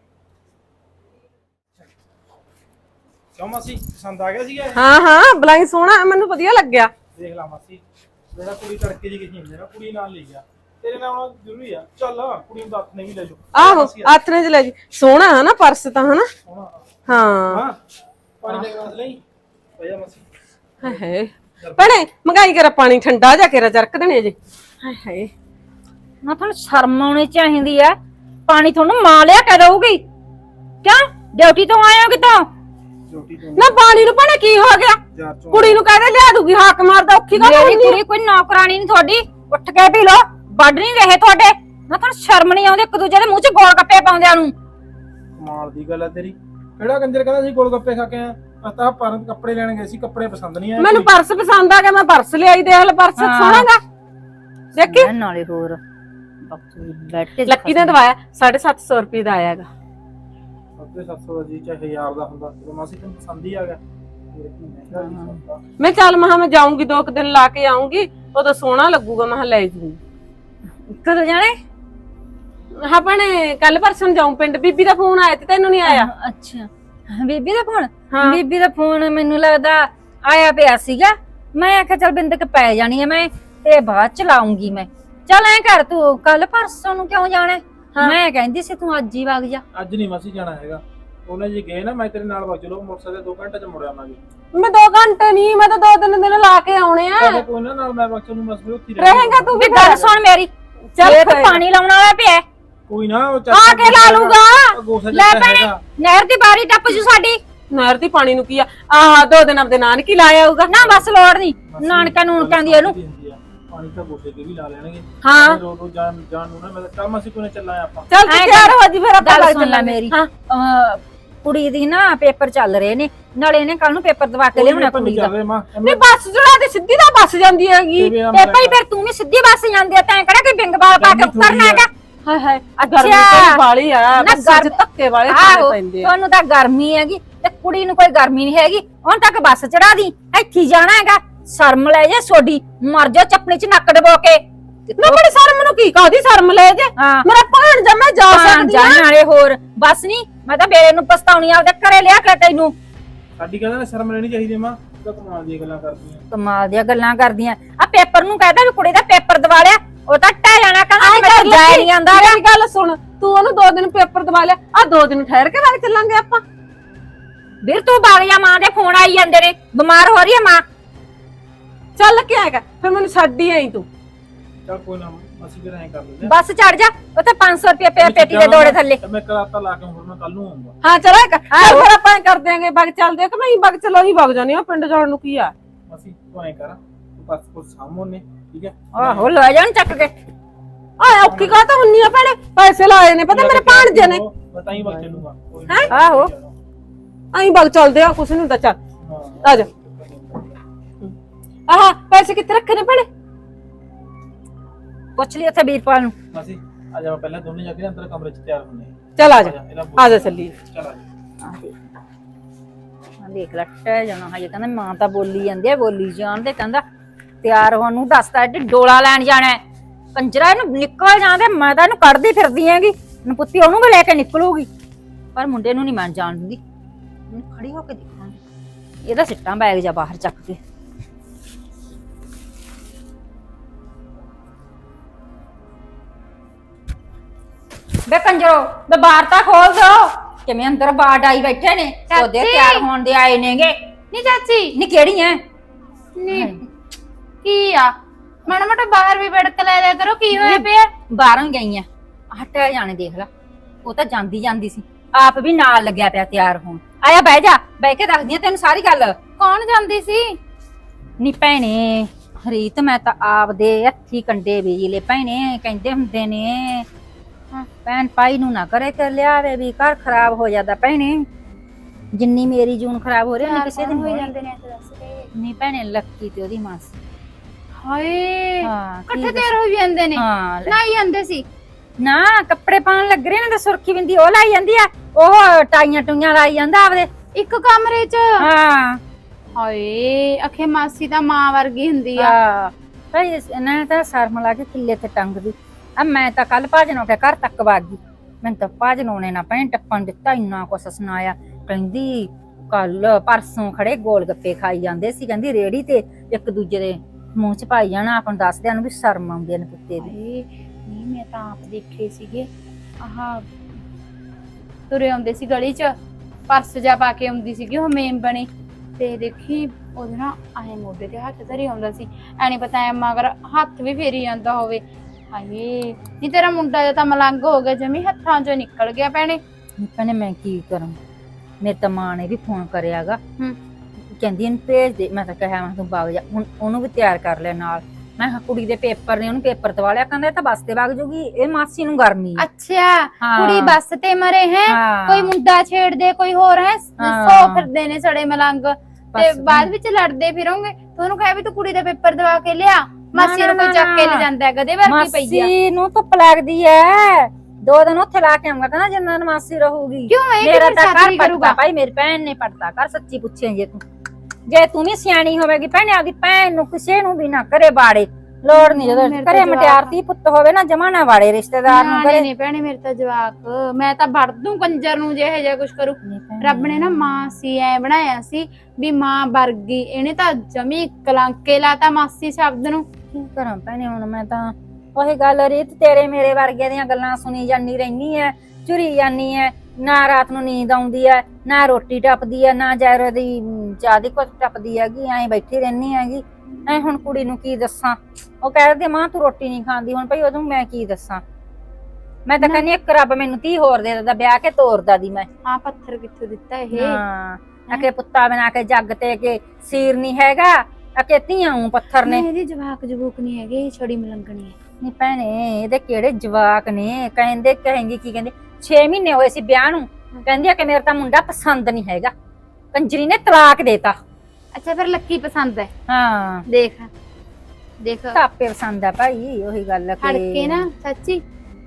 ਕਿਉਂ ਮਾਸੀ ਪਸੰਦ ਆ ਗਿਆ ਸੀਗਾ? ਹਾਂ ਹਾਂ ਬਲਾਈ ਸੋਹਣਾ, ਮੈਨੂੰ ਵਧੀਆ ਲੱਗਿਆ। ਦੇਖ ਲਾ ਮਾਸੀ, ਜਿਹੜਾ ਕੁੜੀ ਤੜਕੇ ਜੀ ਕਿਹੀ ਹੁੰਦੀ ਨਾ, ਕੁੜੀ ਨਾਲ ਲੈ ਗਿਆ। ਤੇਰੇ ਨਾਲ ਆਉਣਾ ਜ਼ਰੂਰੀ ਆ, ਚੱਲ ਕੁੜੀ ਨੂੰ ਦੱਸ ਨਹੀਂ ਲੈ ਜਾਓ। ਆਹੋ ਆਥਣੇ ਚ ਲੈ ਜੀ, ਸੋਹਣਾ ਹੈ ਨਾ ਪਰਸ ਤਾਂ, ਹਨਾ? ਹਾਂ ਹਾਂ ਪਾਣੀ ਦੇ ਗਲਾਸ ਲਈ ਭਈਆ ਮਾਸੀ। ਹਾਏ ਹਾਏ ਭੈਣੇ ਮੰਗਾਈ ਕਰ ਪਾਣੀ, ਠੰਡਾ ਜਾ ਕੇ ਚਰਕ ਦੇਣੇ ਜੇ। ਹਾਏ ਹਾਏ ਨਾ ਤੁਹਾਨੂੰ ਸ਼ਰਮ ਆਉਣੀ ਚਾਹੀਦੀ ਆ। ਪਾਣੀ ਤੁਹਾਨੂੰ ਮਾਂ ਲਿਆ ਕੇ ਦਊਗੀ? ਕਿਉਂ ਡਿਊਟੀ ਤੋਂ ਆਏ ਹੋ ਕਿਤੋਂ? ਨਾ ਪਾਣੀ ਨੂੰ ਭੈਣੇ ਕੀ ਹੋ ਗਿਆ? ਕੁੜੀ ਨੂੰ ਕਹਦੇ ਲਿਆ ਦੂਗੀ, ਹਾਕ ਮਾਰਦਾ ਔਖੀ ਗੱਲ ਮੇਰੀ ਕੁੜੀ ਕੋਈ ਨੌਕਰਾਨੀ ਨਹੀਂ ਤੁਹਾਡੀ, ਉੱਠ ਕੇ ਪੀ ਲੋ। ਵੱਢ ਨਹੀਂ ਰਹੇ ਤੁਹਾਡੇ, ਨਾ ਤੁਹਾਨੂੰ ਸ਼ਰਮ ਨਹੀਂ ਆਉਂਦੀ ਇੱਕ ਦੂਜੇ ਦੇ ਮੂੰਹ 'ਚ ਗੋਲ ਗੱਪੇ ਪਾਉਂਦਿਆਂ ਨੂੰ? ਕਮਾਲ ਦੀ ਗੱਲ ਆ ਤੇਰੀ। ਕਿਹੜਾ ਕੰਜਰ ਕਹਿੰਦਾ ਸੀ ਗੋਲ ਗੱਪੇ ਖਾ ਕੇ ਆ? ਪਤਾ ਪਰ ਕੱਪੜੇ ਲੈਣ ਗਏ ਸੀ, ਕੱਪੜੇ ਪਸੰਦ ਨਹੀਂ ਆਏ। ਮੈਨੂੰ ਪਰਸ ਪਸੰਦ ਆ ਗਿਆ, ਮੈਂ ਪਰਸ ਲਿਆਈ। ਦੇਖ ਲੈ ਪਰਸ ਸੋਹਣਾਗਾ, ਦੇਖੀ ਨਾਲੇ ਹੋਰ ਬੈਠ ਕੇ ਲੱਕੀ ਨੇ ਦਵਾਇਆ ਸਾਢੇ ਸੱਤ ਸੌ ਰੁਪਏ ਦਾ ਆਇਆਗਾ। ਸਾਢੇ ਸੱਤ ਸੌ ਦਾ ਜੀ ਚਾਹੇ ਹਜ਼ਾਰ ਦਾ ਹੁੰਦਾ, ਜਦੋਂ ਮਾਸੀ ਤੈਨੂੰ ਪਸੰਦ ਹੀ ਆ ਗਿਆ। ਮੈਂ ਚੱਲ ਮਹਾ ਮੈਂ ਜਾਊਂਗੀ, ਦੋ ਕੁ ਦਿਨ ਲਾ ਕੇ ਆਉਂਗੀ, ਉਦੋਂ ਸੋਹਣਾ ਲੱਗੂਗਾ, ਮੈਂ ਲੈ ਜੂਗੀ। ਕਦੋਂ ਜਾਣੇ? ਹਾਂ ਭੈਣੇ ਕੱਲ ਪਰਸੋਂ ਜਾਊਂ ਪਿੰਡ। ਬੀਬੀ ਦਾ ਫੋਨ ਆਇਆ ਤੇ ਤੈਨੂੰ ਨਹੀਂ ਆਇਆ? ਅੱਛਾ ਬੀਬੀ ਦਾ ਫੋਨ? ਬੀਬੀ ਦਾ ਫੋਨ ਮੈਨੂੰ ਲੱਗਦਾ ਆਇਆ ਪਿਆ ਸੀਗਾ। ਮੈਂ ਆਖਿਆ ਚੱਲ ਬਿੰਦਕ ਪੈ ਜਾਣੀ ਆ ਮੈਂ, ਤੇ ਬਾਅਦ ਚ ਲਾਉਂਗੀ ਮੈਂ। ਚੱਲ ਐ ਕਰ ਤੂੰ ਕੱਲ ਪਰਸੋਂ ਨੂੰ ਕਿਉਂ ਜਾਣਾ? ਮੈਂ ਕਹਿੰਦੀ ਸੀ ਤੂੰ ਅੱਜ ਹੀ ਵਗ ਜਾ। ਅੱਜ ਨਹੀਂ ਮਾਸੀ ਜਾਣਾ ਹੈਗਾ, ਉਹਨੇ ਜੀ ਗਏ ਨਾ, ਮੈਂ ਤੇਰੇ ਨਾਲ ਵਗ ਚਲੋ, ਮੋਟਰਸਾਈਕਲ ਦੋ ਘੰਟੇ ਚ ਮੁੜ ਆਵਾਂਗੇ। ਮੈਂ ਦੋ ਘੰਟੇ ਨਹੀਂ, ਮੈਂ ਤਾਂ ਦੋ ਤਿੰਨ ਦਿਨ ਲਾ ਕੇ ਆਉਣੇ ਆ। ਕੋਈ ਨਾ ਨਾਲ ਮੈਂ ਵਗ ਚਲੂ, ਮਸਲੇ ਉੱਥੇ ਰਹੇਗਾ ਤੂੰ ਵੀ। ਗੱਲ ਸੁਣ ਮੇਰੀ, ਚੱਲ ਪਾਣੀ ਲਾਉਣ ਵਾਲਾ ਪਿਆ, ਕੋਈ ਨਾ ਆ ਕੇ ਲਾ ਲੂਗਾ। ਲੈ ਭੈਣੇ ਨਹਿਰ ਦੀ ਬਾਰੀ ਟੱਪ ਜੂ ਸਾਡੀ। ਨਹਿਰ ਦੀ ਪਾਣੀ ਨੂੰ ਕੀ ਆ? ਆਹ ਦੋ ਦਿਨ ਆਪਦੇ ਨਾਨਕੀ ਲਾਇਆ ਆਊਗਾ ਨਾ, ਬਸ ਲੋੜ ਨਹੀਂ ਨਾਨਕਾ ਨੂੰ ਕਹਿੰਦੀ ਇਹਨੂੰ। ਪਾਣੀ ਤਾਂ ਗੋਡੇ ਤੇ ਵੀ ਲਾ ਲੈਣਗੇ। ਹਾਂ ਰੋ ਰੋ ਜਾਨ ਜਾਨ ਨੂੰ ਨਾ, ਮੈਂ ਤਾਂ ਕੰਮ ਅਸੀਂ ਕੋਨੇ ਚੱਲਾਂ ਆਪਾਂ। ਚੱਲ ਤੂੰ ਤਿਆਰ ਹੋ ਜੀ, ਫਿਰ ਆਪਾਂ ਗੱਲ ਸੁਣ ਲੈ ਮੇਰੀ। ਕੁੜੀ ਦੀ ਨਾ ਪੇਪਰ ਚੱਲ ਰਹੇ ਨੇ, ਨਾਲੇ ਇਹਨੇ ਕੱਲ ਨੂੰ ਪੇਪਰ ਦਵਾ ਕੇ ਲਿਆਉਣਾ ਕੁੜੀ ਦਾ। ਨਹੀਂ ਬੱਸ ਚੜਾ ਤੇ ਸਿੱਧੀ ਦਾ ਬੱਸ ਜਾਂਦੀ ਹੈਗੀ। ਤੇ ਭਾਈ ਫਿਰ ਤੂੰ ਵੀ ਸਿੱਧੀ ਬੱਸ ਜਾਂਦੀ ਆ, ਤੈਂ ਕਿਹੜਾ ਕੋਈ ਬਿੰਗ ਬਾਲ ਪਾ ਕੇ ਉਤਰਨਾ ਹੈਗਾ? ਹਾਏ ਹਾਏ ਅੱਛਾ। ਗਰਮੀ ਤੇ ਵਾਲੀ ਆ ਨਾ ਬੱਸਾਂ 'ਚ ਗਰਮ- ਧੱਕੇ ਵਾਲੇ ਆਹੋ ਖਾਣੇ ਪੈਂਦੇ ਆ। ਤੁਹਾਨੂੰ ਤਾਂ ਗਰਮੀ ਹੈਗੀ ਤੇ ਕੁੜੀ ਨੂੰ ਕੋਈ ਗਰਮੀ ਨਹੀਂ ਹੈਗੀ ਹੁਣ ਤੱਕ ਬੱਸ ਚੜਾ ਦੀ ਇੱਥੇ ਹੀ ਜਾਣਾ ਹੈਗਾ ਸ਼ਰਮ ਲੈ ਜਾ ਸੋਡੀ ਮਰ ਜਾ ਚੱਪਣੀ ਚ ਨੱਕ ਡਬੋ ਕੇ ਨਾ ਬੜੀ ਸ਼ਰਮ ਨੂੰ ਕੀ ਕਾਹਦੀ ਸ਼ਰਮ ਲੈ ਜੇ ਹਾਂ ਮੇਰਾ ਭਾਣ ਜਾ ਮੈਂ ਜਾ ਸਕਦੀ ਆ ਜਾਣ ਵਾਲੇ ਹੋਰ ਬਸ ਨਹੀਂ ਮੈਂ ਤਾਂ ਬੇਰੇ ਨੂੰ ਪਛਤਾਉਣੀ ਆਪਦੇ ਘਰੇ ਲਿਆ ਕੇ ਤੈਨੂੰ ਸਾਡੀ ਕਹਿੰਦਾ ਸ਼ਰਮ ਲੈਣੀ ਚਾਹੀਦੀ ਮਾਂ ਤੂੰ ਤਾਂ ਕਮਾਲ ਦੀਆਂ ਗੱਲਾਂ ਕਰਦੀ ਆ ਕਮਾਲ ਦੀਆਂ ਗੱਲਾਂ ਕਰਦੀਆਂ ਆ ਪੇਪਰ ਨੂੰ ਕਹਿੰਦਾ ਵੀ ਕੁੜੀ ਦਾ ਪੇਪਰ ਦਵਾ ਲਿਆ ਉਹ ਤਾਂ ਟਹਿ ਜਾਣਾ ਕਹਿੰਦਾ ਆਏ ਮੈਂ ਕਰ ਜਾਇ ਨਹੀਂ ਆਂਦਾ ਮੇਰੀ ਗੱਲ ਸੁਣ ਤੂੰ ਉਹਨੂੰ ਦੋ ਦਿਨ ਪੇਪਰ ਦਵਾ ਲਿਆ ਆ ਦੋ ਦਿਨ ਠਹਿਰ ਕੇ ਵਗ ਚੱਲਾਂਗੇ ਆਪਾਂ ਵੀਰ ਤੂੰ ਬਾਗ ਜਾ ਮਾਂ ਦੇ ਫੋਨ ਆਈ ਜਾਂਦੇ ਨੇ ਬਿਮਾਰ ਹੋ ਰਹੀ ਹੈ ਮਾਂ ਚੱਲ ਕੇ ਆਏਗਾ ਫਿਰ ਮੈਨੂੰ ਛੱਡ ਹੀ ਆਈ ਤੂੰ ਚੱਲ ਕੋਈ ਨਾ ਅਸੀਂ ਫਿਰ ਐਂ ਕਰ ਲੈਂਦੇ ਆ ਬੱਸ ਚੜ ਜਾ ਉੱਥੇ ਪੰਜ ਸੌ ਰੁਪਏ ਪੇ ਪੇਟੀ ਦੇ ਦੋੜੇ ਥੱਲੇ ਤੇ ਮੈਂ ਕਰਾਤਾ ਲਾ ਕੇ ਹੁਣ ਮੈਂ ਕੱਲ ਨੂੰ ਆਉਂਗਾ ਹਾਂ ਚਲ ਆਏਗਾ ਫਿਰ ਆਪਾਂ ਐਂ ਕਰ ਦਿਆਂਗੇ ਬਗ ਚੱਲਦੇ ਆ ਕਿ ਮੈਂ ਹੀ ਬਗ ਚਲੋ ਹੀ ਬਗ ਜਾਣੀ ਆ ਪਿੰਡ ਜਾਣ ਨੂੰ ਕੀ ਆ ਅਸੀਂ ਤੂੰ ਐਂ ਕਰ ਤੂੰ ਬਸ ਕੋ ਸਾਹਮਣੇ ਠੀਕ ਹੈ ਆਹੋ ਲੈ ਜਾਣ ਚੱਕ ਕੇ ਆ ਔਖੀ ਕਾ ਤਾਂ ਹੁੰਨੀ ਆ ਭੈਣੇ ਪੈਸੇ ਲਾਏ ਨੇ ਪਤਾ ਮੇਰੇ ਭਾਣਜੇ ਨੇ ਪਤਾ ਹੀ ਵਕਤ ਚੱਲੂਗਾ ਕੋਈ ਹੈਂ? ਆਹੋ ਐਂ ਬਗ ਚੱਲਦੇ ਆ ਕੁਛ ਨਹੀਂ ਹੁੰਦਾ ਚੱਲ ਹਾਂ ਆ ਜਾ ਆਹ ਪੈਸੇ ਕਿੱਥੇ ਰੱਖੇ ਨੇ ਭੈਣੇ ਪੁੱਛ ਲਈ ਉੱਥੇ ਵੀਰਪਾਲ ਨੂੰ ਅਸੀਂ ਆ ਜਾ ਪਹਿਲਾਂ ਦੋਨੇ ਜਾ ਕੇ ਅੰਦਰ ਕਮਰੇ 'ਚ ਤਿਆਰ ਹੁੰਨੇ ਆ ਚੱਲ ਆ ਜਾ ਆ ਜਾ ਚੱਲੀਏ ਚੱਲ ਆ ਜਾ ਆ ਦੇਖ ਲੈ ਟਹਿ ਜਾਣਾ ਹਜੇ ਕਹਿੰਦਾ ਮਾਂ ਤਾਂ ਬੋਲੀ ਜਾਂਦੀ ਆ ਬੋਲੀ ਜਾਣ ਦੇ ਕਹਿੰਦਾ ਤਿਆਰ ਹੋਣ ਨੂੰ ਦੱਸਦਾ ਏਡੀ ਡੋਲਾ ਲੈਣ ਜਾਣਾ ਹੈ। ਕੰਜਰਾ ਇਹਨੂੰ ਨਿਕਲ ਜਾਂਦੇ ਮੈਂ ਤਾਂ ਇਹਨੂੰ ਕੱਢਦੀ ਫਿਰਦੀ ਹੈਗੀ ਨਪੁੱਤੀ ਉਹਨੂੰ ਵੀ ਲੈ ਕੇ ਨਿਕਲੂਗੀ ਪਰ ਮੁੰਡੇ ਨੂੰ ਨਹੀਂ ਮੈਂ ਜਾਣ ਦਿੰਦੀ ਇਹਨੂੰ ਖੜੀ ਹੋ ਕੇ ਦੇਖਾਂਗੀ ਇਹਦਾ ਸਿੱਟਾਂ ਬੈਗ ਜਾ ਬਾਹਰ ਚੱਕ ਕੇ ਬੇ ਕੰਜਰੋ ਬੇ ਬਾਹਰ ਤਾਂ ਖੋਲ ਦੋ ਕਿਵੇਂ ਅੰਦਰ ਬਾੜ ਆਈ ਬੈਠੇ ਨੇ ਉਹਦੇ ਤਿਆਰ ਹੋਣ ਦੇ ਆਏ ਨੇਗੇ ਨਹੀਂ ਚਾਚੀ ਨੀ ਕਿਹੜੀ ਐ ਨੀ ਕੀ ਆ ਮਾੜਾ ਮੋਟਾ ਬਾਹਰ ਵੀ ਬੜਕ ਲੈ ਲਿਆ ਕਰੋ ਕੀ ਹੋਇਆ ਪਿਆ ਬਾਹਰੋਂ ਗਈਆਂ ਹਟਿਆ ਜਾਣੇ ਦੇਖ ਲੈ ਉਹ ਤਾਂ ਜਾਂਦੀ ਜਾਂਦੀ ਸੀ ਆਪ ਵੀ ਨਾਲ ਲੱਗਿਆ ਪਿਆ ਤਿਆਰ ਹੋਣ ਆਇਆ ਬਹਿ ਜਾ ਬਹਿ ਕੇ ਦੱਸਦੀ ਆ ਤੈਨੂੰ ਸਾਰੀ ਗੱਲ ਕੌਣ ਜਾਂਦੀ ਸੀ ਨੀ ਭੈਣੇ ਹਰੀਤ ਮੈਂ ਤਾਂ ਆਪਦੇ ਹੱਥੀ ਕੰਡੇ ਬੀਜਲੇ ਭੈਣੇ ਕਹਿੰਦੇ ਹੁੰਦੇ ਨੇ ਭੈਣ ਭਾਈ ਨੂੰ ਨਾ ਕਰੇ ਤੇ ਲਿਆਵੇ ਵੀ ਘਰ ਖਰਾਬ ਹੋ ਜਾਂਦਾ ਭੈਣੇ ਜਿੰਨੀ ਮੇਰੀ ਜੂਨ ਖਰਾਬ ਹੋ ਰਹੀ ਉਹਨੇ ਕਿਸੇ ਦਿਨ ਹੋ ਹੋਈ ਜਾਂਦੇ ਨੇ ਤੇ ਦੱਸ ਦੇ ਨਹੀਂ ਭੈਣੇ ਲੱਕੀ ਤੇ ਉਹਦੀ ਮਾਸੀ ਹਾਏ ਹਾਂ ਕੀ ਇਕੱਠੇ ਤਿਆਰ ਹੋ ਜਾਂਦੇ ਨੇ ਹਾਂ ਲੈ। ਨਹੀਂ ਜਾਂਦੇ ਸੀ ਨਾ ਕੱਪੜੇ ਪਾਉਣ ਲੱਗ ਰਹੇ ਨੇ ਤੇ ਸੁਰਖੀ ਬਿੰਦੀ ਉਹ ਲਾਈ ਜਾਂਦੀ ਆ ਉਹ ਟਾਈਆਂ ਟੂਈਆਂ ਲਾਈ ਜਾਂਦਾ ਆਪਦੇ ਇੱਕ ਕਮਰੇ 'ਚ ਹਾਂ ਹਾਏ ਅਖੇ ਮਾਸੀ ਤਾਂ ਮਾਂ ਵਰਗੀ ਹੁੰਦੀ ਆ ਆ ਭਾਈ ਇਹਨਾਂ ਤਾਂ ਸ਼ਰਮ ਲਾ ਕੇ ਕਿੱਲੇ ਤੇ ਟੰਗਦੀ ਆ ਮੈਂ ਤਾਂ ਕੱਲ ਭਾਜਨ ਕੇ ਘਰ ਤੱਕ ਵਗ ਗਈ ਮੈਨੂੰ ਤਾਂ ਭਾਜਨ ਉਹਨੇ ਨਾ ਭੈਣ ਟੱਪਣ ਦਿੱਤਾ ਇੰਨਾ ਕੁਛ ਸੁਣਾਇਆ ਕਹਿੰਦੀ ਕੱਲ ਪਰਸੋਂ ਖੜੇ ਗੋਲ ਗੱਪੇ ਖਾਈ ਜਾਂਦੇ ਸੀ ਕਹਿੰਦੀ ਰੇੜੀ ਤੇ ਇੱਕ ਦੂਜੇ ਦੇ ਮੂੰਹ ਚ ਪਾਈ ਜਾਣਾ ਆਪਾਂ ਨੂੰ ਦੱਸਦਿਆਂ ਨੂੰ ਵੀ ਸ਼ਰਮ ਆਉਂਦੀ ਨੇ ਕੁੱਤੇ ਦੀ ਹਾਏ ਨਹੀਂ ਮੈਂ ਤਾਂ ਆਪ ਦੇਖੇ ਸੀਗੇ ਆਹ ਤੁਰੇ ਆਉਂਦੇ ਸੀ ਗਲੀ 'ਚ ਪਰਸ ਜਾ ਪਾ ਕੇ ਆਉਂਦੀ ਸੀਗੀ ਉਹ ਮੇਮ ਬਣੀ ਤੇ ਦੇਖੀ ਉਹਦੇ ਨਾਲ ਆਏ ਮੋਢੇ ਤੇ ਹੱਥ ਧਰੀ ਆਉਂਦਾ ਸੀ ਐ ਨਹੀਂ ਪਤਾ ਐ ਮਗਰ ਹੱਥ ਵੀ ਫੇਰੀ ਜਾਂਦਾ ਹੋਵੇ ਹਾਏ ਨਹੀਂ ਤੇਰਾ ਮੁੰਡਾ ਜਾਂ ਤਾਂ ਮਲੰਗ ਹੋ ਗਿਆ ਜਮੀ ਹੱਥਾਂ 'ਚੋਂ ਨਿਕਲ ਗਿਆ ਭੈਣੇ ਭੈਣੇ ਮੈਂ ਕੀ ਕਰਾਂ ਮੇਰੇ ਤਾਂ ਮਾਂ ਨੇ ਵੀ ਫੋਨ ਕਰਿਆਗਾ ਹੂੰ ਕਹਿੰਦੀ ਇਹਨੂੰ ਭੇਜ ਦੇ ਮੈਂ ਤਾਂ ਕਿਹਾ ਮੈਂ ਤੂੰ ਵਗ ਜਾ ਹੁਣ ਉਹਨੂੰ ਵੀ ਤਿਆਰ ਕਰ ਲਿਆ ਨਾਲ ਮੈਂ ਕਿਹਾ ਕੁੜੀ ਦੇ ਪੇਪਰ ਨੇ ਉਹਨੂੰ ਪੇਪਰ ਦਵਾ ਲਿਆ ਕਹਿੰਦਾ ਇਹ ਤਾਂ ਬੱਸ ਤੇ ਵਗ ਜੂਗੀ ਇਹ ਮਾਸੀ ਨੂੰ ਗਰਮੀ ਆ। ਅੱਛਾ ਹਾਂ। ਕੁੜੀ ਬੱਸ ਤੇ ਮਰੇ ਹੈ ਹਾਂ। ਕੋਈ ਮੁੰਡਾ ਛੇੜਦੇ ਕੋਈ ਹੋਰ ਹੈ ਹਾਂ। ਸੋ ਫਿਰਦੇ ਨੇ ਸੜੇ ਮਲੰਗ ਤੇ ਬਸ। ਬਾਅਦ ਵਿੱਚ ਲੜਦੇ ਫਿਰੋਂਗੇ ਤੁਹਾਨੂੰ ਕਹੇ ਵੀ ਤੂੰ ਕੁੜੀ ਦਾ ਪੇਪਰ ਦਵਾ ਕੇ ਲਿਆ ਮਾਸੀ ਨੂੰ ਕੋਈ ਚੱਕ ਕੇ ਲੈ ਜਾਂਦਾ ਹੈ ਗਦੇ ਵਰਗੀ ਪਈ ਆ ਮਾਸੀ ਨੂੰ ਧੁੱਪ ਲੱਗਦੀ ਐ ਦੋ ਦਿਨ ਉੱਥੇ ਲਾ ਕੇ ਆਉਂਗਾ ਕਹਿੰਦਾ ਜਿੰਨਾ ਮਾਸੀ ਰਹੂਗੀ ਕਿਉਂ ਇਹ ਮੇਰਾ ਕਿਹੜੀ ਤਾਂ ਘਰ ਸਾਥੀ ਪੜਦਾ ਕਰੂਗਾ ਭਾਈ ਮੇਰੀ ਭੈਣ ਨੇ ਪੜਦਾ ਕਰ ਸੱਚੀ ਪੁੱਛੇ ਜੇ ਤੂੰ ਜੇ ਤੂੰ ਵੀ ਸਿਆਣੀ ਹੋਵੇਗੀ ਭੈਣੇ ਆਪਦੀ ਭੈਣ ਨੂੰ ਕਿਸੇ ਨੂੰ ਵੀ ਨਾ ਕਰੇ ਬਾੜੇ ਲੋੜ ਨਹੀਂ ਜਦੋਂ ਮੇਰੇ ਤਾਂ ਘਰੇ ਜਵਾਕ ਮਟਿਆਰਤੀ ਪੁੱਤ ਹੋਵੇ ਨਾ ਜਮਾ ਨਾ ਵਾੜੇ ਰਿਸ਼ਤੇਦਾਰ ਨੂੰ ਨਿਆਣੇ ਕਰੇ ਨੇ ਭੈਣੇ ਮੇਰੇ ਤਾਂ ਜਵਾਕ ਮੈਂ ਤਾਂ ਵੜ ਦੂੰ ਕੰਜਰ ਨੂੰ ਜੇ ਇਹ ਜਿਹਾ ਕੁਝ ਕਰੂ ਰੱਬ ਨੇ ਨਾ ਮਾਂ ਸੀ ਐ ਬਣਾਇਆ ਸੀ ਵੀ ਮਾਂ ਵਰਗੀ ਇਹਨੇ ਤਾਂ ਜਮੀ ਕਲੰਕੇ ਲਾਤਾ ਮਾਸੀ ਸ਼ਬਦ ਨੂੰ ਕੀ ਕਰਾਂ ਭੈਣੇ ਹੁਣ ਮੈਂ ਤਾਂ ਉਹੀ ਗੱਲ ਰੀਤ ਤੇਰੇ ਮੇਰੇ ਵਰਗੇ ਦੀਆਂ ਗੱਲਾਂ ਸੁਣੀ ਜਾਂਦੀ ਰਹਿਨੀ ਐ ਚੁਰੀ ਜਾਂਦੀ ਐ ਨਾ ਰਾਤ ਨੂੰ ਨੀਂਦ ਆਉਂਦੀ ਐ ਨਾ ਰੋਟੀ ਟੱਪਦੀ ਐ ਨਾ ਜ਼ਹਿਰ ਦੀ ਚਾਹ ਦੀ ਕੁੱਟ ਟੱਪਦੀ ਹੈਗੀ ਐਂ ਬੈਠੀ ਰਹਿਨੀ ਹੈਗੀ ਐ ਹੁਣ ਕੁੜੀ ਨੂੰ ਕੀ ਦੱਸਾਂ ਉਹ ਕਹਿੰਦੇ ਮਾਂ ਤੂੰ ਰੋਟੀ ਨਹੀਂ ਖਾਂਦੀ ਹੁਣ ਭਾਈ ਉਹਨੂੰ ਮੈਂ ਕੀ ਦੱਸਾਂ ਮੈਂ ਤਾਂ ਕਹਿੰਦੀ ਇੱਕ ਰੱਬ ਮੈਨੂੰ ਧੀ ਹੋਰ ਦੇ ਦਿੰਦਾ ਵਿਆਹ ਕੇ ਤੋਰਦਾ ਦੀ ਮੈਂ ਆ ਪੱਥਰ ਕਿੱਥੋਂ ਦਿੱਤਾ ਇਹ ਹਾਂ ਅਕੇ ਪੁੱਤਾ ਬਣਾ ਕੇ ਜੱਗ ਤੇ ਕੇ ਸੀਰ ਨਹੀਂ ਹੈਗਾ ਅਕੇ ਧੀਆਂ ਨੂੰ ਪੱਥਰ ਨੇ ਇਹਦੀ ਜਵਾਕ ਜਬੂਕ ਨਹੀਂ ਹੈਗੇ ਇਹ ਛੜੀ ਮਲੰਗਣੀ ਹੈ ਨਹੀਂ ਭੈਣੇ ਇਹਦੇ ਕਿਹੜੇ ਜਵਾਕ ਨੇ ਕਹਿੰਦੇ ਕਹੇਂਗੇ ਕੀ ਕਹਿੰਦੇ ਛੇ ਮਹੀਨੇ ਹੋਏ ਸੀ ਵਿਆਹ ਨੂੰ ਕਹਿੰਦੀ ਆ ਕਿ ਮੇਰਾ ਤਾਂ ਮੁੰਡਾ ਪਸੰਦ ਨਹੀਂ ਹੈਗਾ ਕੰਜਰੀ ਨੇ ਤਲਾਕ ਦੇਤਾ ਅੱਛਾ ਫਿਰ ਲੱਕੀ ਪਸੰਦ ਹੈ ਹਾਂ ਦੇਖ ਦੇਖ ਕਾਪੇ ਪਸੰਦ ਆ ਭਾਈ ਉਹੀ ਗੱਲ ਖੜ ਕੇ ਨਾ ਸੱਚੀ